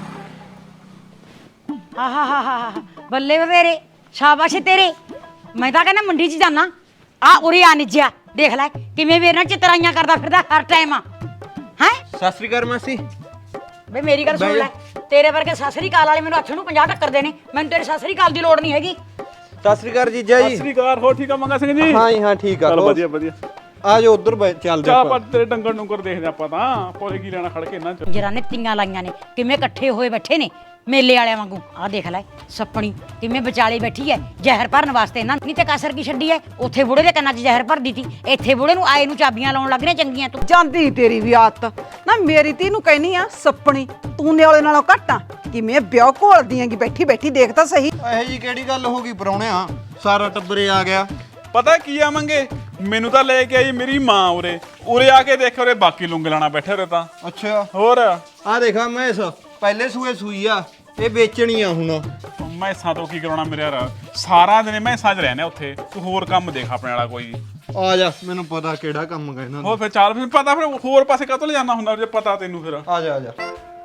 S1: ਹਾ ਹਾ ਹਾ ਹਾ ਹਾ, ਬੱਲੇ ਬਵੇਰੇ, ਸ਼ਾਬਾਸ਼ ਤੇਰੇ। ਮੈਂ ਤਾਂ ਕਹਿੰਦਾ ਮੰਡੀ 'ਚ ਜਾਣਾ, ਆ ਉਰੇ ਆ ਨਿੱਜਿਆ, ਦੇਖ ਲੈ ਕਿਵੇਂ ਮੇਰੇ ਨਾਲ ਚਿਤਰਾਈਆਂ ਕਰਦਾ ਫਿਰਦਾ ਹਰ ਟਾਈਮ। ਹੈ
S7: ਸਤਿ ਸ੍ਰੀ ਅਕਾਲ ਮਾਸੀ।
S1: ਬਈ ਮੇਰੀ ਗੱਲ ਸੁਣ ਲੈ, ਤੇਰੇ ਵਰਗੇ ਸਤਿ ਸ੍ਰੀ ਅਕਾਲ ਵਾਲੇ ਮੈਨੂੰ ਅੱਠ ਨੂੰ ਪੰਜਾਹ ਟੱਕਰ ਦੇ ਨੇ, ਮੈਨੂੰ ਤੇਰੇ ਸਤਿ ਸ੍ਰੀ ਅਕਾਲ ਦੀ ਲੋੜ ਨਹੀਂ ਹੈਗੀ।
S7: ਸਤਿ ਸ੍ਰੀ ਅਕਾਲ ਜੀਜਾ ਜੀ।
S3: ਸ੍ਰੀ ਅਕਾਲ, ਹੋ ਠੀਕ ਆ ਮੰਗਾ ਸਿੰਘ ਜੀ?
S7: ਹਾਂ ਜੀ ਹਾਂ, ਠੀਕ ਆ।
S3: ਚਲ ਵਧੀਆ ਵਧੀਆ।
S7: ਆ ਜਾਓ ਉਧਰ ਚੱਲਦੇ
S3: ਚਾਹ
S7: ਆਪਾਂ।
S3: ਪਰ ਤੇਰੇ ਡੰਗਰ ਡੁੰਗਰ ਦੇਖਦੇ ਆਪਾਂ ਤਾਂ, ਪੋਲੇ ਕੀ ਲੈਣਾ ਖੜ ਕੇ ਇਹਨਾਂ 'ਚ।
S1: ਜਰਾਂ ਨੇ ਤੀਆਂ ਲਾਈਆਂ ਨੇ, ਕਿਵੇਂ ਇਕੱਠੇ ਹੋਏ ਬੈਠੇ ਨੇ ਮੇਲੇ ਵਾਲਿਆਂ ਵਾਂਗੂ। ਆਹ ਦੇਖ ਲੈ ਸੱਪਣੀ ਕਿਵੇਂ ਵਿਚਾਲੇ ਬੈਠੀ ਐ ਜ਼ਹਿਰ ਭਰਨ ਵਾਸਤੇ। ਇਹਨਾਂ ਨਹੀਂ ਤੇ ਕਸਰ ਕੀ ਛੱਡੀ ਐ, ਉੱਥੇ ਬੁੜੇ ਦੇ ਕੰਨਾਂ 'ਚ ਜ਼ਹਿਰ ਭਰ ਦਿੱਤੀ, ਇੱਥੇ ਬੁੜੇ ਨੂੰ ਆਏ ਨੂੰ ਚਾਬੀਆਂ ਲਾਉਣ ਲੱਗ ਰਹੀਆਂ ਚੰਗੀਆਂ। ਤੂੰ
S5: ਜਾਂਦੀ ਤੇਰੀ ਵੀ ਆਦਤ ਨਾ, ਮੇਰੀ ਤੀ ਨੂੰ ਕਹਿਨੀ ਆ ਸੱਪਣੀ, ਤੂੰ ਨਿਆਲੇ ਨਾਲੋਂ ਘੱਟ ਆ। ਕਿਵੇਂ ਵਿਆਹ ਘੋਲਦੀ ਆਂਗੀ ਬੈਠੀ ਬੈਠੀ, ਦੇਖ ਤਾਂ ਸਹੀ।
S7: ਇਹੋ ਜੀ ਕਿਹੜੀ ਗੱਲ ਹੋ ਗਈ ਪਰਾਉਣਿਆ, ਸਾਰਾ ਟੱਬਰੇ ਆ ਗਿਆ।
S8: ਪਤਾ ਕੀ ਆ ਮੰਗੇ, ਮੈਨੂੰ ਤਾਂ ਲੈ ਕੇ ਆਈ ਮੇਰੀ ਮਾਂ ਉਰੇ। ਉਰੇ ਆ ਕੇ ਦੇਖ ਉਰੇ ਬਾਕੀ ਲੁੰਗੇ ਲਾਣਾ ਬੈਠੇ ਉਰੇ ਤਾਂ।
S7: ਅੱਛਾ,
S8: ਹੋਰ
S7: ਆ ਦੇਖਾ ਮੈਂ ਇਸ ਪਹਿਲੇ ਸੂਏ ਸੂਈ ਆ, ਇਹ ਵੇਚਣੀ ਆ ਹੁਣ।
S8: ਮੈਸਾਂ ਤੋਂ ਕੀ ਕਰਾਉਣਾ ਮੇਰੇ ਯਾਰ, ਸਾਰਾ ਦਿਨ ਮੈਸਾਂ 'ਚ ਰਹਿੰਦੇ ਉੱਥੇ। ਤੂੰ ਹੋਰ ਕੰਮ ਦੇਖ ਆਪਣੇ ਵਾਲਾ ਕੋਈ।
S7: ਆ ਜਾ, ਮੈਨੂੰ ਪਤਾ ਕਿਹੜਾ ਕੰਮ ਕਹਿਣਾ।
S8: ਹੋਰ ਫਿਰ ਚੱਲ, ਫਿਰ ਪਤਾ ਫਿਰ ਹੋਰ ਪਾਸੇ ਕਾਹਤੋਂ ਲੈ ਜਾਣਾ ਹੁੰਦਾ ਜੇ ਪਤਾ ਤੈਨੂੰ ਫਿਰ।
S7: ਆ ਜਾ ਆ ਜਾ।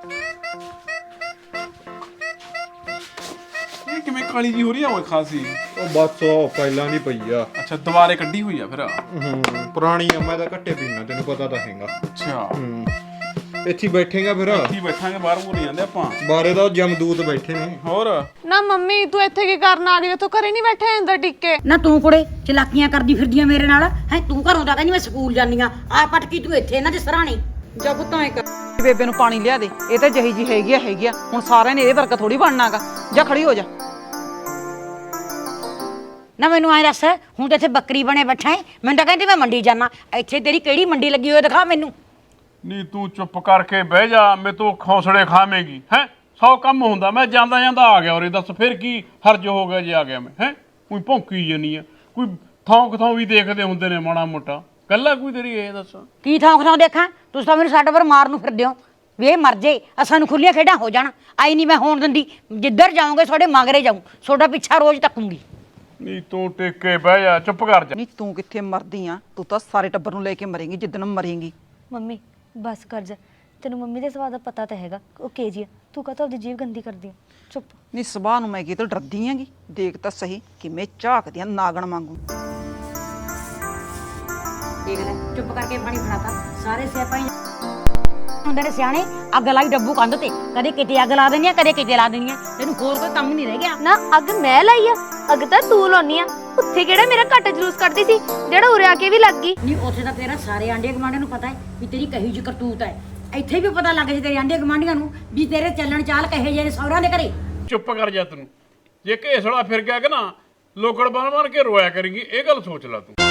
S8: ਇਹ ਕਿਵੇਂ ਕਾਲੀ ਜੀ ਹੋ ਰਹੀ ਆ ਓਏ ਖਾਸੀ?
S7: ਉਹ ਬਸ ਉਹ ਪਹਿਲਾਂ ਨਹੀਂ ਪਈ ਆ।
S8: ਅੱਛਾ ਦੁਬਾਰੇ ਕੱਢੀ ਹੋਈ ਆ ਫਿਰ।
S7: ਹੂੰ, ਪੁਰਾਣੀ ਆ, ਮੈਂ ਤਾਂ ਘੱਟੇ ਪੀਣਾ, ਤੈਨੂੰ ਪਤਾ ਤਾਂ ਹੈਗਾ।
S8: ਅੱਛਾ
S7: ਹੂੰ, ਇੱਥੇ ਹੀ ਬੈਠੇਗਾ ਫਿਰ।
S8: ਇੱਥੇ ਹੀ ਬੈਠਾਂਗੇ, ਬਾਹਰ ਬੂਰ ਨਹੀਂ ਜਾਂਦੇ ਆਪਾਂ।
S7: ਬਾਰੇ ਦਾ ਜਮਦੂਤ ਬੈਠੇ ਨੇ।
S8: ਹੋਰ
S6: ਨਾ ਮੰਮੀ ਤੂੰ ਇੱਥੇ ਕੀ ਕਰਨ ਆ ਗਈ? ਤੂੰ ਘਰੇ ਨਹੀਂ ਬੈਠੇ ਅੰਦਰ ਟਿੱਕੇ?
S1: ਨਾ ਤੂੰ ਕੁੜੇ ਚਲਾਕੀਆਂ ਕਰਦੀ ਫਿਰਦੀ ਆ ਮੇਰੇ ਨਾਲ ਹੈ। ਤੂੰ ਘਰੋਂ ਤਾਂ ਕਹਿੰਦੀ ਮੈਂ ਸਕੂਲ ਜਾਂਦੀ ਆ, ਆ ਪਟਕੀ ਤੂੰ ਇੱਥੇ ਇਹਨਾਂ ਦੇ ਸਰਾਣੇ।
S5: ਜਾ ਪੁੱਤਾਂ ਇੱਕ ਬੇਬੇ ਨੂੰ ਪਾਣੀ ਲਿਆ ਦੇ, ਇਹ ਤਾਂ ਜਹੀ ਜੀ ਹੈਗੀ ਆ ਹੈਗੀ ਆ। ਹੁਣ ਸਾਰਿਆਂ ਨੇ ਇਹਦੇ ਵਰਗਾ ਥੋੜੀ ਬਣਨਾਗਾ। ਜਾ ਖੜੀ ਹੋ ਜਾ।
S1: ਨਾ ਮੈਨੂੰ ਐਂ ਦੱਸ, ਹੁਣ ਤੇ ਇੱਥੇ ਬੱਕਰੀ ਬਣੇ ਬੈਠਾ ਹੈ, ਮੈਨੂੰ ਤਾਂ ਕਹਿੰਦੀ ਮੈਂ ਮੰਡੀ ਜਾਣਾ। ਇੱਥੇ ਤੇਰੀ ਕਿਹੜੀ ਮੰਡੀ ਲੱਗੀ ਹੋਈ ਦਿਖਾ ਮੈਨੂੰ।
S3: ਨਹੀਂ ਤੂੰ ਚੁੱਪ ਕਰਕੇ ਬਹਿ ਜਾ, ਮੈਂ ਤੂੰ ਖੌਸੜੇ ਖਾਵੇਂਗੀ ਹੈ। ਸੌ ਕੰਮ ਹੁੰਦਾ, ਮੈਂ ਜਾਂਦਾ ਜਾਂਦਾ ਆ ਗਿਆ। ਔਰ ਦੱਸ ਫਿਰ ਕੀ ਹਰਜ ਹੋ ਗਿਆ ਜੇ ਆ ਗਿਆ ਮੈਂ ਹੈ? ਕੋਈ ਭੌਂਕੀ ਜਾਨੀ ਆ, ਕੋਈ ਥੌਂਕ ਥੌਂ ਵੀ ਦੇਖਦੇ ਹੁੰਦੇ ਨੇ ਮਾੜਾ ਮੋਟਾ। ਕੱਲਾ ਕੋਈ ਤੇਰੀ ਇਹ ਦੱਸ
S1: ਕੀ ਥੌਂਕ ਥੌਂ ਦੇਖਾਂ? ਤੁਸੀਂ ਤਾਂ ਮੈਨੂੰ ਸਾਡੇ ਪਰ ਮਾਰ ਨੂੰ ਫਿਰਦੇ ਹੋ ਵੀ ਇਹ ਮਰ ਜੇ, ਸਾਨੂੰ ਖੁੱਲੀਆਂ ਖੇਡਾਂ ਹੋ ਜਾਣ। ਆਈ ਨਹੀਂ ਮੈਂ ਹੋਣ ਦਿੰਦੀ, ਜਿੱਧਰ ਜਾਓਗੇ ਤੁਹਾਡੇ ਮਗਰੇ ਜਾਊਂ, ਤੁਹਾਡਾ ਪਿੱਛਾ ਰੋਜ਼ ਤੱਕੂੰਗੀ।
S3: ਨਹੀਂ ਤੂੰ ਟਿਕ ਕੇ ਬਹਿ ਜਾ, ਚੁੱਪ ਕਰ ਜਾ।
S5: ਨਹੀਂ ਤੂੰ ਕਿੱਥੇ ਮਰਦੀ ਆ, ਤੂੰ ਤਾਂ ਸਾਰੇ ਟੱਬਰ ਨੂੰ ਲੈ ਕੇ ਮਰੇਂਗੀ ਜਿੱਦਣ ਮਰੇਂਗੀ।
S4: ਮੰਮੀ ਬਸ ਕਰ ਜਾ, ਤੈਨੂੰ ਮੰਮੀ ਦੇ ਸੁਭਾਅ ਦਾ ਪਤਾ ਤਾਂ ਹੈਗਾ, ਉਹ ਕੇ ਜੀ ਆ। ਤੂੰ ਕਾਹਤੋਂ ਆਪਦੀ ਜੀਭ ਗੰਦੀ ਕਰਦੀ ਆ? ਚੁੱਪ।
S5: ਨਹੀਂ ਸੁਭਾਅ ਨੂੰ ਮੈਂ ਕੀ ਤੋਂ ਡਰਦੀ ਆਂਗੀ, ਦੇਖ ਤਾਂ ਸਹੀ ਕਿਵੇਂ ਝਾਕਦੀ ਆ ਨਾਗਣ ਵਾਂਗੂ।
S1: ਦੇਖ ਲੈ ਚੁੱਪ ਕਰਕੇ ਪਾਣੀ ਫੜਾਤਾ। ਸਾਰੇ ਸਿਆਪਾ ਹੀ ਹੁੰਦੇ ਨੇ ਸਿਆਣੇ। ਅੱਗ ਲਾਈ ਡੱਬੂ ਕੰਧ ਤੇ, ਕਦੇ ਕਿਤੇ ਅੱਗ ਲਾ ਦੇਣੀ ਆ, ਕਦੇ ਕਿਤੇ ਲਾ ਦੇਣੀ ਆ। ਤੈਨੂੰ ਹੋਰ ਕੋਈ ਕੰਮ ਨਹੀਂ ਰਹਿ ਗਿਆ।
S4: ਨਾ ਅੱਗ ਮੈਂ ਲਾਈ ਆ, ਅੱਗ ਤਾਂ ਤੂੰ ਲਾਉਣੀ ਆ। ਉੱਥੇ ਕਿਹੜਾ ਮੇਰਾ ਘੱਟ ਜਲੂਸ ਕੱਢਦੀ ਸੀ, ਜਿਹੜਾ ਉਰੇ ਆ ਕੇ ਵੀ ਲੱਗ ਗਈ।
S1: ਨਹੀਂ ਉੱਥੇ ਤਾਂ ਤੇਰਾ ਸਾਰੇ ਆਂਡੇ ਗਵਾਂਢੀਆਂ ਨੂੰ ਪਤਾ ਹੈ ਵੀ ਤੇਰੀ ਕਹੀ ਜਿਹੀ ਕਰਤੂਤ ਹੈ। ਇੱਥੇ ਵੀ ਪਤਾ ਲੱਗ ਜੇ ਤੇਰੇ ਆਂਡੇ ਗਵਾਂਢੀਆਂ ਨੂੰ ਵੀ ਤੇਰੇ ਚੱਲਣ ਚਾਲ ਕਹੇ ਜਿਹੇ ਨੇ ਸਹੁਰਿਆਂ ਦੇ ਘਰੇ।
S3: ਚੁੱਪ ਕਰ ਜਾ, ਤੈਨੂੰ ਜੇ ਘੇਸੜਾ ਫਿਰ ਗਿਆ ਕਿ ਨਾ, ਲੋਕੜ ਬਣ ਬਣ ਕੇ ਰੋਇਆ ਕਰੇਂਗੀ। ਇਹ ਗੱਲ ਸੋਚ ਲੈ ਤੂੰ।